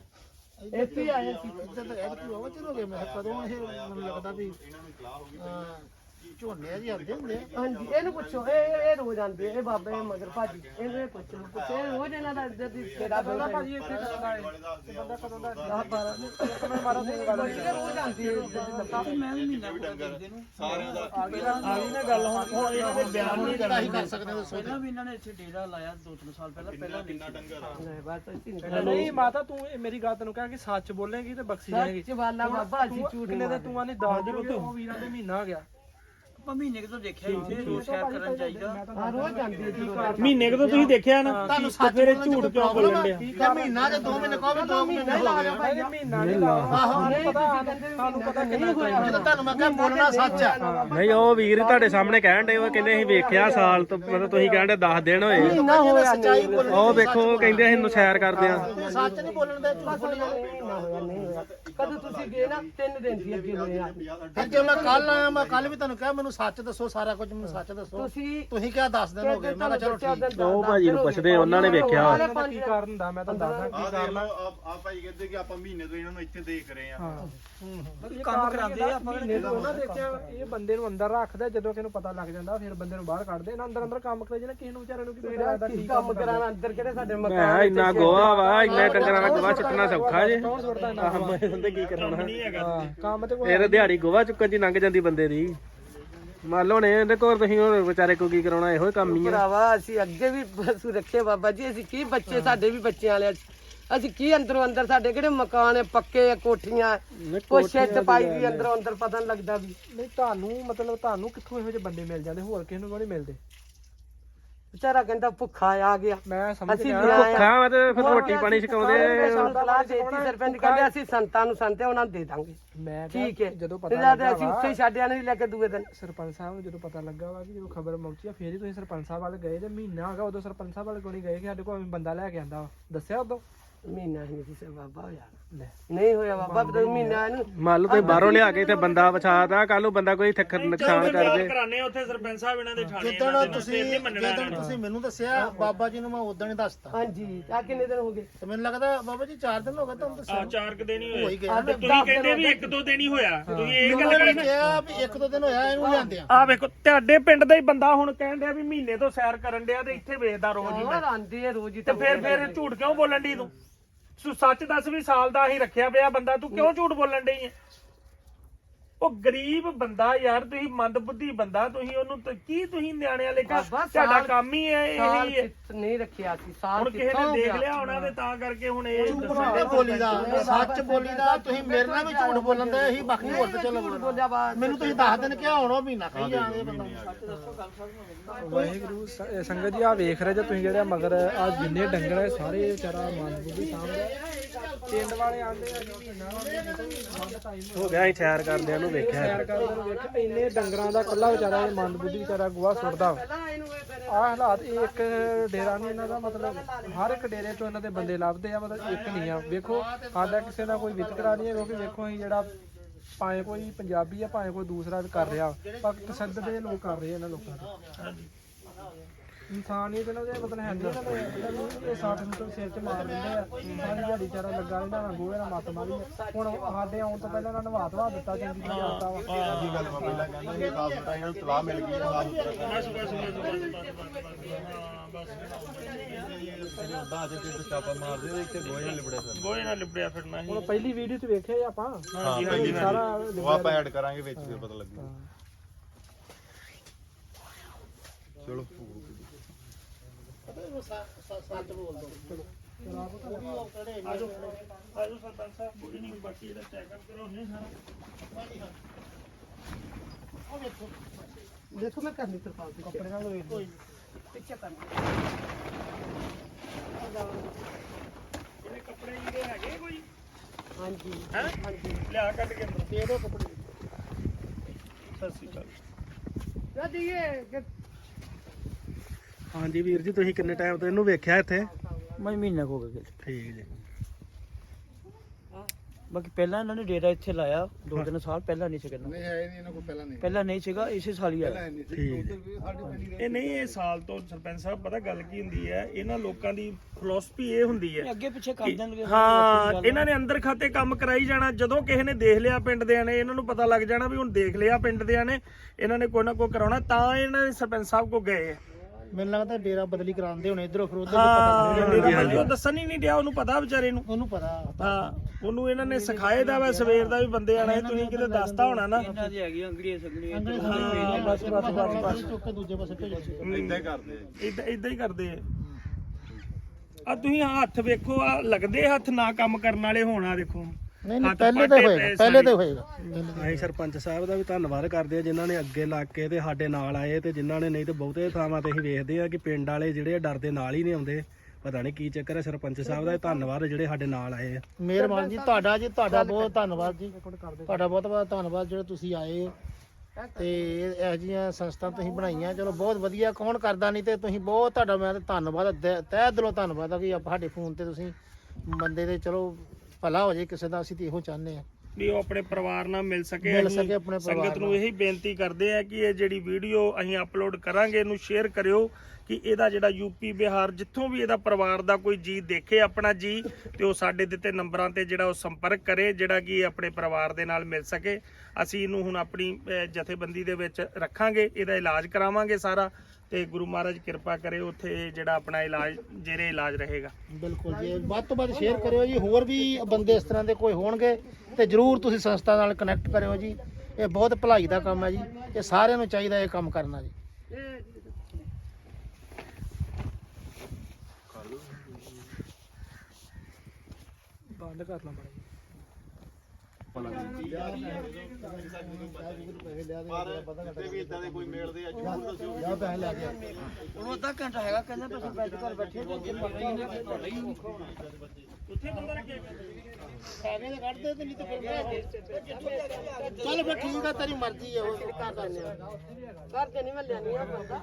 [SPEAKER 5] ਇੱਥੇ ਹੀ ਆਏ ਸੀ
[SPEAKER 2] ਇੱਧਰ ਤਾਂ ਐਡ ਕੀ ਹੋਵਾ ਚਲੋ ਗਏ ਮੈਂ ਕਿਹਾ ਕਦੋਂ ਇਹ ਮੈਨੂੰ ਲੱਗਦਾ ਵੀ ਹਾਂ ਝੋਨੇ ਜੀ ਆਉਂਦੇ ਹੁੰਦੇ ਆ।
[SPEAKER 5] ਹਾਂਜੀ ਇਹਨੂੰ ਪੁੱਛੋ ਇਹ ਇਹ- ਇਹ ਰੋਜ਼ ਆਉਂਦੇ ਇਹ ਬਾਬੇ ਮਗਰ ਭਾਜੀ ਇਹਨੂੰ ਇਹ ਪੁੱਛੋ ਪੁੱਛੋ ਇਹ ਰੋਜ਼ ਇਹਨਾਂ ਦਾ ਇੱਧਰ ਦੀ ਕਿਹੜਾ ਬੰਦਾ
[SPEAKER 3] ਭਾਜੀ ਇੱਥੇ ਕਦੋਂ ਦਾ ਹੈ ਬੰਦਾ ਕਦੋਂ ਦਾ
[SPEAKER 5] ਦਸ ਬਾਰਾਂ
[SPEAKER 3] ਮੈਂ ਮਾਰਾ ਸਿੰਘ ਗੱਲ
[SPEAKER 5] ਇਹ ਰੋਜ਼ ਆਉਂਦੀ ਹੈ
[SPEAKER 3] ਕਾਫੀ ਮੈਂ ਵੀ ਮਹੀਨਾ ਪੂਰਾ ਦੇਖਦੇ ਨੂੰ
[SPEAKER 6] ਸਾਰਿਆਂ ਦਾ
[SPEAKER 1] ਆ ਗਈ ਨਾ ਗੱਲ ਹੁਣ ਹੁਣ ਇਹਨਾਂ ਦੇ ਬਿਆਨ ਨਹੀਂ
[SPEAKER 2] ਜਿਹੜਾ ਅਸੀਂ ਕਰ ਸਕਦੇ ਹਾਂ ਦੱਸੋ
[SPEAKER 3] ਪਹਿਲਾਂ ਵੀ ਇਹਨਾਂ ਨੇ ਇੱਥੇ ਡੇਰਾ ਲਾਇਆ ਦੋ ਤਿੰਨ ਸਾਲ ਪਹਿਲਾਂ ਪਹਿਲਾਂ
[SPEAKER 6] ਕਿੰਨਾ ਡੰਗਰ ਆ
[SPEAKER 5] ਨਹੀਂ ਬਸ ਅਸੀਂ
[SPEAKER 3] ਨਹੀਂ ਮਾਤਾ ਤੂੰ ਇਹ ਮੇਰੀ ਗੱਲ ਤੈਨੂੰ ਕਿਹਾ ਕਿ ਸੱਚ ਬੋਲੇਗੀ ਤੇ ਬਖਸ਼ੀ ਜਾਏਗੀ
[SPEAKER 5] ਸੱਚ ਵਾਲਾ ਬਾਬਾ ਅਸੀਂ ਝੂਠ
[SPEAKER 3] ਕਿੰਨੇ ਦੇ ਤੂੰ ਆਨੇ ਦੱਸ ਦੇ ਉਹ ਵੀਰਾਂ ਦੇ ਮਹੀਨਾ ਆ ਗਿਆ
[SPEAKER 7] ਆਪਾਂ ਮਹੀਨੇ ਕਿਤੋਂ ਦੇਖਿਆ ਇੱਥੇ ਰੋਜ਼ ਸੈਰ ਕਰਨ ਜਾਈਦਾ
[SPEAKER 5] ਹਾਂ ਰੋਜ਼ ਜਾਂਦੀ ਹੈ ਜੀ
[SPEAKER 1] ਮਹੀਨੇ ਕਦੋਂ ਤੁਸੀਂ ਦੇਖਿਆ ਨਾ
[SPEAKER 2] ਤੁਹਾਨੂੰ
[SPEAKER 1] ਤੇ
[SPEAKER 2] ਸੱਚ
[SPEAKER 1] ਫਿਰ ਇਹ
[SPEAKER 2] ਬੋਲਣ
[SPEAKER 1] ਝੂਠ
[SPEAKER 2] ਚ
[SPEAKER 1] ਕਿਉਂ
[SPEAKER 2] problem
[SPEAKER 1] ਬੋਲਣ
[SPEAKER 2] ਆ?
[SPEAKER 1] ਡਿਆ
[SPEAKER 2] ਜੇ ਮਹੀਨਾ ਜਾਂ ਦੋ ਮਹੀਨੇ ਕਹੋ ਵੀ ਦੋ ਮਹੀਨੇ ਹੋ ਗਏ
[SPEAKER 3] ਭਾਈ ਮਹੀਨਾ ਨਹੀਂ ਲਾ
[SPEAKER 5] ਨਹੀਂ
[SPEAKER 3] ਪਤਾ
[SPEAKER 5] ਕਹਿੰਦੇ
[SPEAKER 3] ਤੁਹਾਨੂੰ ਪਤਾ ਕਿੰਨਾ
[SPEAKER 5] ਹੋਇਆ
[SPEAKER 2] ਜਦੋਂ ਤੁਹਾਨੂੰ ਮੈਂ ਕਿਹਾ ਬੋਲਣਾ ਸੱਚ ਆ
[SPEAKER 1] ਨਹੀਂ ਉਹ ਵੀਰ ਤੁਹਾਡੇ ਸਾਹਮਣੇ ਕਹਿਣ ਡੇ ਉਹ ਕਹਿੰਦੇ ਅਸੀਂ ਵੇਖਿਆ ਸਾਲ ਤੋਂ ਮਤਲਬ ਤੁਸੀਂ ਕਹਿਣ ਡੇ ਦਸ ਦਿਨ ਹੋਏ
[SPEAKER 5] ਮਹੀਨਾ ਹੋਇਆ
[SPEAKER 2] ਸੱਚਾਈ ਬੋਲਣ
[SPEAKER 1] ਉਹ ਵੇਖੋ ਉਹ ਕਹਿੰਦੇ ਅਸੀਂ ਨੁਸ਼ੈਰ ਕਰਦੇ ਆ
[SPEAKER 2] ਸੱਚ ਨਹੀਂ ਬੋਲਣ ਦੇ ਝੂਠ ਬੋਲਣ ਦੇ।
[SPEAKER 5] ਮਹੀਨਾ ਹੋਇਆ ਨਹੀਂ ਹੋਇਆ ਕਦੋਂ ਤੁਸੀਂ ਗਏ ਨਾ ਤਿੰਨ ਦਿਨ ਸੀ ਅੱਗੇ ਹੋਏ ਆ
[SPEAKER 2] ਫਿਰ ਜੇ ਮੈਂ ਕੱਲ ਆਇਆ ਮੈਂ ਕੱਲ ਵੀ ਤੁਹਾਨੂੰ ਕਿਹਾ ਮੈਨੂੰ ਸੱਚ ਦੱਸੋ ਸਾਰਾ ਕੁਝ ਮੈਨੂੰ ਸੱਚ ਦੱਸੋ
[SPEAKER 5] ਤੁਸੀਂ
[SPEAKER 2] ਤੁਸੀਂ ਕਿਹਾ ਦਸ ਦਿਨ ਹੋ ਗਏ ਮੈਂ ਕਿਹਾ ਚਲੋ ਠੀਕ
[SPEAKER 1] ਉਹ ਭਾਜੀ ਨੂੰ ਪੁੱਛਦੇ ਉਹਨਾਂ ਨੇ ਵੇਖਿਆ
[SPEAKER 3] ਇਹਦਾ ਕੀ ਕਾਰਨ ਹੁੰਦਾ ਮੈਂ ਤੁਹਾਨੂੰ ਦੱਸਦਾ
[SPEAKER 6] ਆ
[SPEAKER 3] ਕੀ
[SPEAKER 6] ਦੇਖ
[SPEAKER 3] ਕਾਰਨ
[SPEAKER 6] ਲਓ ਆ ਭਾਈ ਕਹਿੰਦੇ ਕਿ ਆਪਾਂ ਮਹੀਨੇ ਤੋਂ ਇਹਨਾਂ ਨੂੰ ਇੱਥੇ ਦੇਖ ਰਹੇ ਆ
[SPEAKER 3] ਕੰਮ ਕਰਾਉਂਦੇ ਆ ਆਪਾਂ ਨੇ ਉਹਨਾਂ ਦੇਖਿਆ ਇਹ ਬੰਦੇ ਨੂੰ ਅੰਦਰ ਰੱਖਦਾ ਜਦੋਂ ਕਿਸੇ ਨੂੰ ਪਤਾ ਲੱਗ ਜਾਂਦਾ ਫਿਰ ਬੰਦੇ ਨੂੰ ਬਾਹਰ ਕੱਢਦੇ ਇਹਨਾਂ ਅੰਦਰ ਅੰਦਰ ਕੰਮ ਕਰੇ ਜਿਹਨੇ ਕਿਸੇ ਨੂੰ ਵਿਚਾਰੇ ਨੂੰ ਕੀ ਪਤਾ ਲੱਗਦਾ ਕੀ
[SPEAKER 5] ਕੰਮ ਕਰਾਣਾ ਅੰਦਰ ਕਿਹੜੇ ਸਾਡੇ
[SPEAKER 1] ਮੈਂ
[SPEAKER 5] ਮਕਾਨ
[SPEAKER 1] ਇੰਨਾ ਗੋਹਾ ਵਾ ਇੰਨੇ ਡੰਗਰਾਂ ਦਾ ਗੋਹਾ ਚੁੱਕਣਾ ਸੌਖਾ ਜੇ
[SPEAKER 3] ਕੌਣ ਸੁੱਟਦਾ ਇੰਨਾ
[SPEAKER 1] ਆਹ ਮੈਂ ਹੁੰਦੇ ਕੀ ਕਰਨਾ
[SPEAKER 3] ਹਾਂ, ਕੰਮ ਤੇ ਕੋਈ
[SPEAKER 1] ਇਹ ਦਿਹਾੜੀ ਗੋਹਾ ਚੁੱਕਣ ਦੀ ਲੰਘ ਜਾਂਦੀ ਬੰਦੇ ਦੀ ਮੰਨ ਲਓ ਨੇ ਇਹਦੇ ਕੋਲ ਤੁਸੀਂ ਹੋਰ ਵਿਚਾਰੇ ਕੋ ਕੀ ਕਰਾਉਣਾ ਇਹੋ ਹੀ ਕੰਮ ਹੀ ਆ
[SPEAKER 5] ਭਰਾਵਾ ਅਸੀਂ ਅੱਗੇ ਵੀ ਪਸ਼ੂ ਰੱਖੇ ਬਾਬਾ ਜੀ ਅਸੀਂ ਕੀ ਬੱਚੇ ਸਾਡੇ ਵੀ ਬੱਚਿਆਂ ਵਾਲੇ ਅਸੀਂ ਕੀ ਅੰਦਰੋਂ ਅੰਦਰ ਸਾਡੇ ਕਿਹੜੇ ਮਕਾਨ ਹੈ ਪੱਕੇ ਆ ਕੋਠੀਆਂ ਕੋਈ ਛੱਤ ਪਾਈ ਵੀ ਅੰਦਰੋਂ ਅੰਦਰ ਪਤਾ ਨਹੀਂ ਲੱਗਦਾ ਵੀ
[SPEAKER 3] ਨਹੀਂ ਤੁਹਾਨੂੰ ਮਤਲਬ ਤੁਹਾਨੂੰ ਕਿੱਥੋਂ ਇਹੋ ਜਿਹੇ ਬੰਦੇ ਮਿਲ ਜਾਂਦੇ ਹੋਰ ਕਿਸੇ ਨੂੰ ਕਿਉਂ ਨਹੀਂ ਮਿਲਦੇ
[SPEAKER 5] ਵਿਚਾਰਾ ਕਹਿੰਦਾ ਭੁੱਖਾ ਆ ਗਿਆ
[SPEAKER 3] ਮੈਂ ਸਮਝ
[SPEAKER 5] ਅਸੀਂ
[SPEAKER 3] ਗਿਆ
[SPEAKER 5] ਵੀ ਆਏ ਆ।
[SPEAKER 1] ਭੁੱਖਾ ਵਾ ਤੇ ਫਿਰ ਰੋਟੀ ਪਾਣੀ ਛਕਾਉਂਦੇ
[SPEAKER 5] ਸਾਨੂੰ ਸਲਾਹ ਦੇਤੀ ਸਰਪੰਚ ਕਹਿੰਦੇ ਅਸੀਂ ਸੰਤਾਂ ਨੂੰ ਸੰਤੇ ਉਹਨਾਂ ਨੂੰ ਦੇ ਦਾਂਗੇ
[SPEAKER 3] ਮੈਂ ਕਿਹਾ
[SPEAKER 5] ਠੀਕ ਹੈ
[SPEAKER 3] ਜਦੋਂ
[SPEAKER 5] ਤੇ
[SPEAKER 3] ਪਤਾ
[SPEAKER 5] ਜਦ ਅਸੀਂ ਉੱਥੇ ਹੀ ਛੱਡਿਆ ਨਹੀਂ ਲੈ ਕੇ ਦੂਏ ਦਿਨ
[SPEAKER 3] ਸਰਪੰਚ ਸਾਹਿਬ ਨੂੰ ਜਦੋਂ ਪਤਾ ਲੱਗਾ ਵਾ ਕਿ ਜਦੋਂ ਖਬਰ ਪਹੁੰਚੀ ਆ ਫੇਰ ਹੀ ਤੁਸੀਂ ਸਰਪੰਚ ਸਾਹਿਬ ਵੱਲ ਗਏ ਤੇ ਮਹੀਨਾ ਹੋ ਗਿਆ ਉਦੋਂ ਸਰਪੰਚ ਸਾਹਿਬ ਵੱਲ ਕੋਈ ਨਹੀਂ ਗਏ ਕਿ ਸਾਡੇ ਕੋਲ ਬੰਦਾ ਲੈ ਕੇ ਆਂਦਾ ਵਾ ਦੱਸਿਆ ਉਦੋਂ
[SPEAKER 5] ਮਹੀਨਾ ਹੀ ਨਹੀਂ ਸੀ ਬਾਬਾ ਹੋਇਆ
[SPEAKER 3] ਲੈ
[SPEAKER 5] ਨਹੀਂ ਹੋਇਆ ਬਾਬਾ ਬਦ ਮਹੀਨਾ ਇਹਨੂੰ
[SPEAKER 1] ਮੰਨ ਲਓ ਤੁਸੀਂ ਬਾਹਰੋਂ ਲਿਆ ਕੇ ਤੇ ਬੰਦਾ ਵਿਛਾਤਾ ਕੱਲ ਨੂੰ ਬੰਦਾ ਕੋਈ ਠੱਕਰ ਨੁਕਸਾਨ ਕਰ ਦੇ ਕਰਾਣੇ ਉੱਥੇ ਸਰਪੰਚ ਸਾਹਿਬ ਇਹਨਾਂ ਦੇ ਥਾਣੇ
[SPEAKER 2] ਜਿੱਦਣ ਤੁਸੀਂ ਜਿੱਦਣ ਤੁਸੀਂ ਮੈਨੂੰ ਦੱਸਿਆ ਬਾਬਾ ਜੀ ਨੂੰ ਮੈਂ ਉਦੋਂ ਹੀ ਦੱਸਤਾ
[SPEAKER 5] ਹਾਂਜੀ ਆ ਕਿੰਨੇ ਦਿਨ ਹੋ ਗਏ
[SPEAKER 2] ਤੇ ਮੈਨੂੰ ਲੱਗਦਾ ਬਾਬਾ ਜੀ ਚਾਰ ਦਿਨ ਹੋ ਗਏ ਤੁਹਾਨੂੰ ਦੱਸਿਆ
[SPEAKER 1] ਚਾਰ ਕੁ ਦਿਨ ਹੀ
[SPEAKER 2] ਹੋ
[SPEAKER 1] ਹੋਏ
[SPEAKER 2] ਹੀ ਗਿਆ
[SPEAKER 1] ਤੇ ਤੁਸੀਂ ਕਹਿੰਦੇ ਵੀ ਇੱਕ ਦੋ ਦਿਨ ਹੀ ਹੋਇਆ ਤੁਸੀਂ ਇਹ ਗੱਲ
[SPEAKER 2] ਮੈਨੂੰ ਇਹਨੇ ਕਿਹਾ ਵੀ ਇੱਕ ਦੋ ਦਿਨ ਹੋਇਆ ਇਹਨੂੰ ਲਿਆਂਦੇ ਆ
[SPEAKER 1] ਆ ਵੇਖੋ ਤੁਹਾਡੇ ਪਿੰਡ ਦਾ ਹੀ ਬੰਦਾ ਹੁਣ ਕਹਿਣ ਡਿਆ ਵੀ ਮਹੀਨੇ ਤੋਂ ਸੈਰ ਕਰਨ ਡਿਆ ਤੇ ਇੱਥੇ ਵੇਚਦਾ ਰੋਜ਼ ਹੀ
[SPEAKER 5] ਹੋਰ ਆਂਦੇ ਆ ਰੋਜ਼ ਹੀ
[SPEAKER 1] ਤੇ ਫਿਰ ਫਿਰ ਝੂਠ ਕਿਉਂ ਬੋਲਣ ਦੀ ਤੂੰ ਤੂੰ ਸੱਚ ਦੱਸ ਵੀ ਸਾਲ ਦਾ ਹੀ ਰੱਖਿਆ ਪਿਆ ਬੰਦਾ ਤੂੰ ਕਿਉਂ ਝੂਠ ਬੋਲਣ ਡਈ ਹੈ ਉਹ ਗਰੀਬ ਬੰਦਾ ਯਾਰ ਤੁਸੀਂ ਮੰਦਬੁੱਧੀ ਬੰਦਾ ਤੁਸੀਂ ਉਹਨੂੰ ਤੇ ਕੀ ਤੁਸੀਂ ਨਿਆਣਿਆਂ ਲੇਖਾ
[SPEAKER 5] ਬਾਬਾ
[SPEAKER 1] ਤੁਹਾਡਾ
[SPEAKER 5] ਸਾਲ-
[SPEAKER 1] ਕੰਮ ਹੀ ਹੈ
[SPEAKER 5] ਸਾਲ
[SPEAKER 1] ਇਹੀ ਹੈ
[SPEAKER 5] ਕਿਤ- ਨਹੀਂ ਰੱਖਿਆ ਸੀ ਸਾਲ
[SPEAKER 1] ਹੁਣ ਕਿਸੇ
[SPEAKER 5] ਕਿੱਥੋਂ
[SPEAKER 1] ਨੇ ਦੇਖ
[SPEAKER 5] ਗਿਆ?
[SPEAKER 1] ਲਿਆ ਹੋਣਾ ਤੇ ਤਾਂ ਕਰਕੇ ਹੁਣ ਇਹ
[SPEAKER 2] ਝੂਠ ਬੋਲੀ ਦਾ ਸੱਚ ਬੋਲੀ ਦਾ ਤੁਸੀਂ ਮੇਰੇ ਨਾਲ ਵੀ ਝੂਠ ਬੋਲਣ ਦੇ ਅਸੀਂ ਬਾਕੀ ਹੋਰ ਤੇ ਚਲੋ
[SPEAKER 5] ਬੋਲਿਆ ਬਾਅਦ
[SPEAKER 2] ਮੈਨੂੰ ਤੁਸੀਂ ਦੱਸ ਦਿਨ ਕਿਹਾ ਹੋਣਾ ਮਹੀਨਾ ਕਹੀ ਜਾਂਦੇ ਬੰਦਾ
[SPEAKER 3] ਵਾਹਿਗੁਰੂ ਸ- ਇਹ ਸੰਗਤ ਜੀ ਆ ਵੇਖ ਰਹੇ ਜੇ ਤੁਸੀਂ ਜਿਹੜੇ ਮਗਰ ਆ ਜਿੰਨੇ ਡੰਗਰ ਹੈ ਸਾਰੇ ਵਿਚਾਰਾ ਮੰਦਬੁੱਧੀ ਸਾਹਮਣੇ ਪਿੰਡ ਵਾਲੇ ਆਂਦੇ ਆ ਕਿ ਮਹੀਨਾ
[SPEAKER 1] ਹੋ ਗਿਆ ਅਸੀਂ ਠਹਿਰ ਕਰਦੇ ਉਹਨੂੰ ਵੇਖਿਆ
[SPEAKER 3] ਸੈਰ ਕਰਦੇ ਨੂੰ ਵੇਖ ਇੰਨੇ ਡੰਗਰਾਂ ਦਾ ਕੱਲਾ ਵਿਚਾਰਾ ਇਹ ਮੰਦਬੁੱਧੀ ਵਿਚਾਰਾ ਗੋਹਾ ਸੁੱਟਦਾ ਆਹ ਹਾਲਾਤ ਇਹ ਇੱਕ ਡੇਰਾ ਨਹੀਂ ਇਹਨਾਂ ਦਾ ਮਤਲਬ ਹਰ ਇੱਕ ਡੇਰੇ ਤੋਂ ਇਹਨਾਂ ਦੇ ਬੰਦੇ ਲੱਭਦੇ ਆ ਮਤਲਬ ਇੱਕ ਨਹੀਂ ਆ ਵੇਖੋ ਸਾਡਾ ਕਿਸੇ ਨਾਲ ਕੋਈ ਵਿਤਕਰਾ ਨਹੀਂ ਹੈ ਕਿਉਂਕਿ ਵੇਖੋ ਅਸੀਂ ਜਿਹੜਾ ਭਾਵੇਂ ਕੋਈ ਪੰਜਾਬੀ ਆ ਭਾਵੇਂ ਕੋਈ ਦੂਸਰਾ ਵੀ ਕਰ ਰਿਹਾ ਪਰ ਤਸੱਦਦ ਦੇ ਲੋਕ ਕਰ ਰਹੇ ਇਹਨਾਂ ਲੋਕਾਂ ਦੇ ਇਨਸਾਨੀਅਤ ਇਹਨਾਂ ਦੇ ਮਤਲਬ ਹੈ ਨਹੀਂ ਇਹਨਾਂ ਦੇ ਇਹ ਸਾਠ ਮੀਟਰ ਸਿਰ 'ਚ ਮਾਰ ਦਿੰਦੇ ਆ ਸਾਰੀ ਦਿਹਾੜੀ ਚਾਰਾ ਲੱਗਾ ਰਹਿੰਦਾ ਨਾ ਗੋਹੇ ਨਾਲ ਮੱਤ ਮਾਰੀ ਹੁਣ ਸਾਡੇ ਆਉਣ ਤੋਂ ਪਹਿਲਾਂ ਇਹਨਾਂ ਨੇ ਨਵਾ ਧਵਾ ਦਿੱਤਾ ਚੰਗੀ ਤਰ੍ਹਾਂ ਦਿੱਤਾ ਵਾ
[SPEAKER 6] ਇਹ ਗੱਲ ਮੈਂ ਪਹਿਲਾਂ ਕਹਿੰਦਾ ਸੀ ਸਾਫ ਸੁਥਰਾ ਇਹਨਾਂ ਨੂੰ ਤਲਾਹ ਮਿਲ ਗਈ ਸਾਫ ਸੁਥਰਾ ਉਦਾਂ ਅੱਜ ਤੇ ਚਾਪਾ ਮਾਰਦੇ ਤੇ ਇੱਥੇ ਗੋਹੇ ਨਾਲ ਲਿਬੜਿਆ ਸਰ
[SPEAKER 1] ਗੋਹੇ ਨਾਲ ਲਿਬੜਿਆ ਫਿਰਨਾ
[SPEAKER 3] ਹੁਣ ਪਹਿਲੀ ਵੀਡੀਓ 'ਚ ਵੇਖਿਆ ਹੀ ਆਪਾਂ
[SPEAKER 6] ਹਾਂ ਪਹਿਲੀ
[SPEAKER 3] ਸਾਰਾ
[SPEAKER 6] ਉਹ ਆਪਾਂ ਐਡ ਕਰਾਂਗੇ ਵਿੱਚ ਫਿਰ ਪਤਾ ਲੱਗੂ ਚਲੋ
[SPEAKER 2] ਸੱਚ ਬੋਲ ਦੋ
[SPEAKER 1] ਆਜੋ ਆਜੋ ਸਰਪੰਚ ਸਾਹਿਬ ਕੋਈ ਨਹੀਂ ਬਾਕੀ ਇਹਦਾ ਚੈੱਕ ਕਰੋ ਨਹੀਂ ਸਾਰਾ
[SPEAKER 5] ਦੇਖੋ ਮੈਂ ਕਰਨੀ ਤਰਪਾਲ ਤੇ
[SPEAKER 3] ਕੱਪੜੇ ਨਾਲ ਵੇਖ ਲਓ।
[SPEAKER 5] ਪਿੱਛੇ ਕਰਨਾ
[SPEAKER 1] ਇਹਦੇ ਕੱਪੜੇ ਜਿਹੜੇ ਹੈਗੇ ਕੋਈ
[SPEAKER 5] ਹਾਂਜੀ
[SPEAKER 1] ਹੈ
[SPEAKER 5] ਹਾਂਜੀ
[SPEAKER 1] ਲਿਆ ਕੱਢ ਕੇ ਅੰਦਰ
[SPEAKER 2] ਦੇ ਦਿਓ ਕੱਪੜੇ
[SPEAKER 1] ਸਤਿ ਸ਼੍ਰੀ ਅਕਾਲ
[SPEAKER 5] ਜਦੀਏ ਕਿ
[SPEAKER 1] ਹਾਂਜੀ ਵੀਰ ਜੀ ਤੁਸੀਂ ਕਿੰਨੇ ਟਾਈਮ ਤੋਂ ਇਹਨੂੰ ਵੇਖਿਆ ਇੱਥੇ
[SPEAKER 7] ਮੈਂ ਮਹੀਨਾ ਹੋ ਗਿਆ
[SPEAKER 1] ਠੀਕ ਜੀ
[SPEAKER 7] ਬਾਕੀ ਪਹਿਲਾਂ ਇਹਨਾਂ ਨੇ ਡੇਰਾ ਇੱਥੇ ਲਾਇਆ ਦੋ ਤਿੰਨ ਸਾਲ ਪਹਿਲਾਂ ਨਹੀਂ ਸੀ ਕਰਨਾ
[SPEAKER 2] ਨਹੀਂ ਹੈ ਨਹੀਂ ਇਹਨਾਂ ਕੋਲ ਪਹਿਲਾਂ ਨਹੀਂ
[SPEAKER 7] ਪਹਿਲਾਂ ਨਹੀਂ ਸੀਗਾ ਇਸੇ ਸਾਲ ਹੀ ਆਇਆ
[SPEAKER 1] ਇਹ ਨਹੀਂ ਇਹ ਸਾਲ ਤੋਂ ਸਰਪੰਚ ਸਾਹਿਬ ਪਤਾ ਗੱਲ ਕੀ ਹੁੰਦੀ ਹੈ ਇਹਨਾਂ ਲੋਕਾਂ ਦੀ ਫਿਲਾਸਫੀ ਇਹ ਹੁੰਦੀ ਹੈ
[SPEAKER 7] ਅੱਗੇ ਪਿੱਛੇ ਕਰ ਦੇਣਗੇ
[SPEAKER 1] ਹਾਂ ਇਹਨਾਂ ਨੇ ਅੰਦਰ ਖਾਤੇ ਕੰਮ ਕਰਾਈ ਜਾਣਾ ਜਦੋਂ ਕਿਸੇ ਨੇ ਦੇਖ ਲਿਆ ਪਿੰਡ ਦਿਆਂ ਨੇ ਇਹਨਾਂ ਨੂੰ ਪਤਾ ਲੱਗ ਜਾਣਾ ਵੀ ਹੁਣ ਦੇਖ ਲਿਆ ਪਿੰਡ ਦਿਆਂ ਨੇ ਇਹਨਾਂ ਨੇ ਕੋਈ ਨਾ ਕੋਈ ਕਰਾਉਣਾ ਤਾਂ ਇਹਨਾਂ ਦੇ ਸਰਪੰਚ ਸਾਹਿਬ ਕੋ ਗਏ ਆ
[SPEAKER 2] ਮੈਨੂੰ ਲੱਗਦਾ ਡੇਰਾ ਬਦਲੀ ਕਰਾਉਂਦੇ ਹੋਣੇ ਇਧਰੋਂ ਫਿਰ ਉਧਰ
[SPEAKER 1] ਹਾਂ ਉਹ ਦੱਸਣ ਹੀ ਨਹੀਂ ਡਿਆ ਉਹਨੂੰ ਪਤਾ ਵਿਚਾਰੇ ਨੂੰ
[SPEAKER 2] ਉਹਨੂੰ ਪਤਾ
[SPEAKER 1] ਹਾਂ ਉਹਨੂੰ ਇਹਨਾਂ ਨੇ ਸਿਖਾਏ ਦਾ ਵਾ ਸਵੇਰ ਦਾ ਵੀ ਬੰਦੇ ਆਣੇ ਤੁਸੀਂ ਕਿਤੇ ਦੱਸਦਾ ਹੋਣਾ ਨਾ
[SPEAKER 7] ਇਹਨਾਂ ਦੀ ਹੈਗੀ ਅੰਗੜੀ ਸਗੜੀ
[SPEAKER 2] ਬਸ ਬਸ ਬਸ ਬਸ ਚੁੱਕ ਕੇ ਦੂਜੇ ਪਾਸੇ ਭੇਜ
[SPEAKER 6] ਇਦਾਂ ਹੀ ਕਰਦੇ ਆ
[SPEAKER 1] ਇਦਾਂ ਇਦਾਂ ਹੀ ਕਰਦੇ ਆ ਆ ਤੁਸੀਂ ਹੱਥ ਵੇਖੋ ਆ ਲੱਗਦੇ ਹੱਥ ਨਾ ਕੰਮ ਕਰਨ ਵਾਲੇ ਹੋਣਾ ਦੇਖੋ
[SPEAKER 2] ਨਹੀਂ ਨਹੀਂ ਪਹਿਲੇ ਤੇ ਹੋਏਗਾ ਪਹਿਲੇ ਤੇ ਹੋਏਗਾ
[SPEAKER 3] ਅਸੀਂ ਸਰਪੰਚ ਸਾਹਿਬ ਦਾ ਵੀ ਧੰਨਵਾਦ ਕਰਦੇ ਆ ਜਿਨ੍ਹਾਂ ਨੇ ਅੱਗੇ ਲੱਗ ਕੇ ਤੇ ਸਾਡੇ ਨਾਲ ਆਏ ਤੇ ਜਿਨ੍ਹਾਂ ਨੇ ਨਹੀਂ ਤੇ ਬਹੁਤੇ ਥਾਵਾਂ ਤੇ ਅਸੀਂ ਵੇਖਦੇ ਆ ਕਿ ਪਿੰਡ ਵਾਲੇ ਜਿਹੜੇ ਡਰਦੇ ਨਾਲ ਹੀ ਨਹੀਂ ਆਉਂਦੇ ਪਤਾ ਨਹੀਂ ਕੀ ਚੱਕਰ ਹੈ ਸਰਪੰਚ ਸਾਹਿਬ ਦਾ ਧੰਨਵਾਦ ਜਿਹੜੇ ਸਾਡੇ ਨਾਲ ਆਏ ਆ
[SPEAKER 2] ਮਿਹਰਬਾਨੀ ਜੀ ਤੁਹਾਡਾ ਜੀ ਤੁਹਾਡਾ ਬਹੁਤ ਧੰਨਵਾਦ ਜੀ ਤੁਹਾਡਾ ਬਹੁਤ ਬਹੁਤ ਧੰਨਵਾਦ ਜਿਹੜੇ ਤੁਸੀਂ ਆਏ ਹੋ ਤੇ ਇਹੋ ਜਿਹੀਆਂ ਸੰਸਥਾ ਤੁਸੀਂ ਬਣਾਈਆਂ ਚਲੋ ਬਹੁਤ ਵਧੀਆ ਕੌਣ ਕਰਦਾ ਨਹੀਂ ਤੇ ਤੁਸੀਂ ਬਹੁਤ ਤੁਹਾਡਾ ਮੈਂ ਤਾਂ ਧੰਨਵਾਦ ਦਿ- ਤਹਿ ਦਿਲੋਂ ਧੰਨਵਾਦ ਆ ਕਿ ਆਪ- ਸਾਡੇ ਫੋਨ ਤੇ ਤੁਸੀਂ ਬੰਦੇ ਦੇ ਚਲੋ ਭਲਾ ਹੋ ਜਾਏ ਕਿਸੇ ਦਾ ਅਸੀਂ ਤੇ ਇਹੋ ਚਾਹੁੰਦੇ ਆ
[SPEAKER 1] ਵੀ ਉਹ ਆਪਣੇ ਪਰਿਵਾਰ ਨਾਲ ਮਿਲ ਸਕੇ
[SPEAKER 2] ਮਿਲ
[SPEAKER 1] ਅਸੀਂ
[SPEAKER 2] ਸਕੇ ਆਪਣੇ ਪਰਿਵਾਰ
[SPEAKER 1] ਸੰਗਤ ਨੂੰ
[SPEAKER 2] ਨਾਲ।
[SPEAKER 1] ਇਹੀ ਬੇਨਤੀ ਕਰਦੇ ਆ ਕਿ ਇਹ ਜਿਹੜੀ ਵੀਡੀਓ ਅਸੀਂ ਅਪਲੋਡ ਕਰਾਂਗੇ ਇਹਨੂੰ ਸ਼ੇਅਰ ਕਰਿਓ ਕਿ ਇਹਦਾ ਜਿਹੜਾ ਯੂਪੀ ਬਿਹਾਰ ਜਿੱਥੋਂ ਵੀ ਇਹਦਾ ਪਰਿਵਾਰ ਦਾ ਕੋਈ ਜੀ ਦੇਖੇ ਆਪਣਾ ਜੀ ਤੇ ਉਹ ਸਾਡੇ ਦਿੱਤੇ ਨੰਬਰਾਂ ਤੇ ਜਿਹੜਾ ਉਹ ਸੰਪਰਕ ਕਰੇ ਜਿਹੜਾ ਕਿ ਆਪਣੇ ਪਰਿਵਾਰ ਦੇ ਨਾਲ ਮਿਲ ਸਕੇ ਅਸੀਂ ਇਹਨੂੰ ਹੁਣ ਆਪਣੀ ਅਹ, ਜਥੇਬੰਦੀ ਦੇ ਵਿੱਚ ਰੱਖਾਂਗੇ ਇਹਦਾ ਇਲਾਜ ਕਰਾਵਾਂਗੇ ਸਾਰਾ ਤੇ ਗੁਰੂ ਮਹਾਰਾਜ ਕਿਰਪਾ ਕਰੇ ਉੱਥੇ ਜਿਹੜਾ ਆਪਣਾ ਇਲਾਜ ਜਿਹੜੇ ਇਲਾਜ ਰਹੇਗਾ
[SPEAKER 2] ਬਿਲਕੁਲ ਜੀ ਵੱਧ ਤੋਂ ਵੱਧ ਸ਼ੇਅਰ ਕਰਿਓ ਜੀ ਹੋਰ ਵੀ ਬੰਦੇ ਇਸ ਤਰ੍ਹਾਂ ਦੇ ਕੋਈ ਹੋਣਗੇ ਤੇ ਜਰੂਰ ਤੁਸੀਂ ਸੰਸਥਾ ਨਾਲ ਕਨੈਕਟ ਕਰਿਓ ਜੀ ਇਹ ਬਹੁਤ ਭਲਾਈ ਦਾ ਕੰਮ ਹੈ ਜੀ ਇਹ ਸਾਰਿਆਂ ਨੂੰ ਚਾਹੀਦਾ ਇਹ ਕੰਮ ਕਰਨਾ ਜੀ
[SPEAKER 3] ਬੰਦ ਕਰ ਲਾ ਮਾੜਾ
[SPEAKER 6] ਜਿੱਥੇ ਵੀ ਇਦਾਂ ਦੇ ਕੋਈ ਮਿਲਦੇ ਆ ਜ਼ਰੂਰ ਦੱਸਿਓ
[SPEAKER 2] ਜਾ ਪੈਸੇ ਲੈ ਕੇ
[SPEAKER 7] ਉਹਨੂੰ ਅੱਧਾ ਘੰਟਾ ਹੈਗਾ ਕਹਿੰਦੇ ਤੁਸੀਂ ਬੈਠ ਘਰ ਬੈਠੇ ਤੇ ਜੇ ਪਤਾ ਹੀ ਨਹੀਂ ਤੁਹਾਡਾ ਹੀ
[SPEAKER 1] ਉੱਥੇ ਬੰਦਾ ਰੱਖਿਆ
[SPEAKER 2] ਪੈਸੇ ਤਾਂ ਕੱਢਦੇ ਤੇ ਨਹੀਂ ਤੇ ਫਿਰ ਚੱਲ ਫਿਰ ਠੀਕ ਆ ਤੇਰੀ ਮਰਜ਼ੀ ਹੈ ਉਹ ਕਿੱਦਾਂ ਕਰਨੇ ਆ
[SPEAKER 5] ਘਰ ਤੇ ਨਹੀਂ ਮੈਂ ਲੈਣੀ ਆ ਬੰਦਾ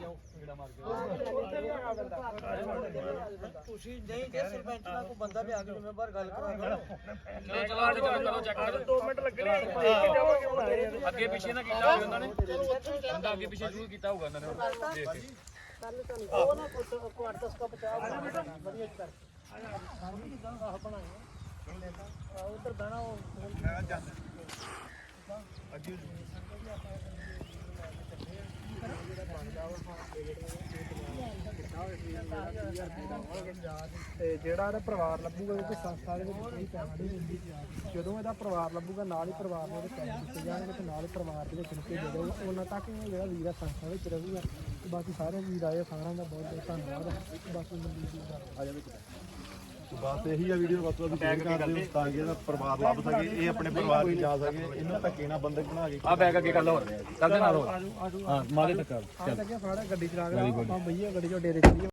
[SPEAKER 7] ਤੁਸੀਂ ਨਹੀਂ ਦੇ ਸਰਪੰਚ ਨਾਲ ਕੋਈ ਬੰਦਾ ਲਿਆ ਕੇ ਜ਼ਿੰਮੇਵਾਰ ਗੱਲ ਕਰਾ ਦਿਓ
[SPEAKER 1] ਦੋ ਮਿੰਟ ਲੱਗਣੇ ਦੇਖ ਕੇ ਜਾਵਾਂਗੇ ਹੁਣ ਆਏ ਆ।
[SPEAKER 8] ਅੱਗੇ ਪਿੱਛੇ ਨਾ ਕੀਤਾ ਹੋਵੇ ਉਹਨਾਂ ਨੇ ਬੰਦਾ ਅੱਗੇ ਪਿੱਛੇ ਜ਼ਰੂਰ ਕੀਤਾ ਹੋਊਗਾ ਉਹਨਾਂ ਨੇ ਦੇਖ ਕੇ
[SPEAKER 2] ਉਹ ਨਾ ਕੁਝ ਕੁਆਰਟਸ ਕਾ ਬਚਾਓ ਵਧੀਆ ਕਰ ਉਧਰ ਬਣਾ ਉਹ
[SPEAKER 3] ਤੇ ਜਿਹੜਾ ਇਹਦਾ ਪਰਿਵਾਰ ਲੱਭੂਗਾ ਕਿਉਂਕਿ ਸੰਸਥਾ ਦੇ ਵਿੱਚ ਕੋਈ ਪੈਸਾ ਨਹੀਂ ਦਿੰਦੀ ਜਦੋਂ ਇਹਦਾ ਪਰਿਵਾਰ ਲੱਭੂਗਾ ਨਾਲ ਹੀ ਪਰਿਵਾਰ ਨੂੰ ਉਹਦੇ ਪੈਸੇ ਦਿੱਤੇ ਜਾਣਗੇ ਤੇ ਨਾਲ ਹੀ ਪਰਿਵਾਰ ਦੇ ਵਿੱਚ ਰੁਕੇ ਜਾਊਗਾ ਉਹਨਾਂ ਤੱਕ ਇਹ ਜਿਹੜਾ ਵੀਰ ਆ ਸੰਸਥਾ ਵਿੱਚ ਰਹੂਗਾ ਤੇ ਬਾਕੀ ਸਾਰੇ ਵੀਰ ਆਏ ਸਾਰਿਆਂ ਦਾ ਬਹੁਤ ਬਹੁਤ ਧੰਨਵਾਦ ਬਾਕੀ ਮਨਦੀਪ ਦੀ ਗੱਲ
[SPEAKER 6] ਆ ਜਾਵੇ ਬਸ ਇਹੀ ਆ ਵੀਡੀਓ ਬਸ ਤੁਸੀਂ ਸ਼ੇਅਰ ਕਰ ਦਿਓ ਤਾਂ ਕਿ ਇਹਦਾ ਪਰਿਵਾਰ ਲੱਭ ਸਕੇ ਇਹ ਆਪਣੇ ਪਰਿਵਾਰ ਨੂੰ ਜਾ ਸਕੇ ਇਹਨਾਂ ਧੱਕੇ ਨਾਲ ਬੰਦੇ ਬਣਾ ਕੇ
[SPEAKER 8] ਆ ਬੈਗ ਅੱਗੇ ਗੱਲ ਹੋ ਰਿਹਾ ਚੱਲਦੇ ਨਾਲ ਹੋ ਹਾਂ ਮਾਰੇ ਤੱਕ
[SPEAKER 3] ਆ ਲੱਗਿਆ ਫਾੜਾ ਗੱਡੀ ਚਲਾ ਕੇ ਆਪਾਂ ਬਈਏ ਗੱਡੀ ਚੋਂ ਡੇਰੇ ਚੱਲੀਏ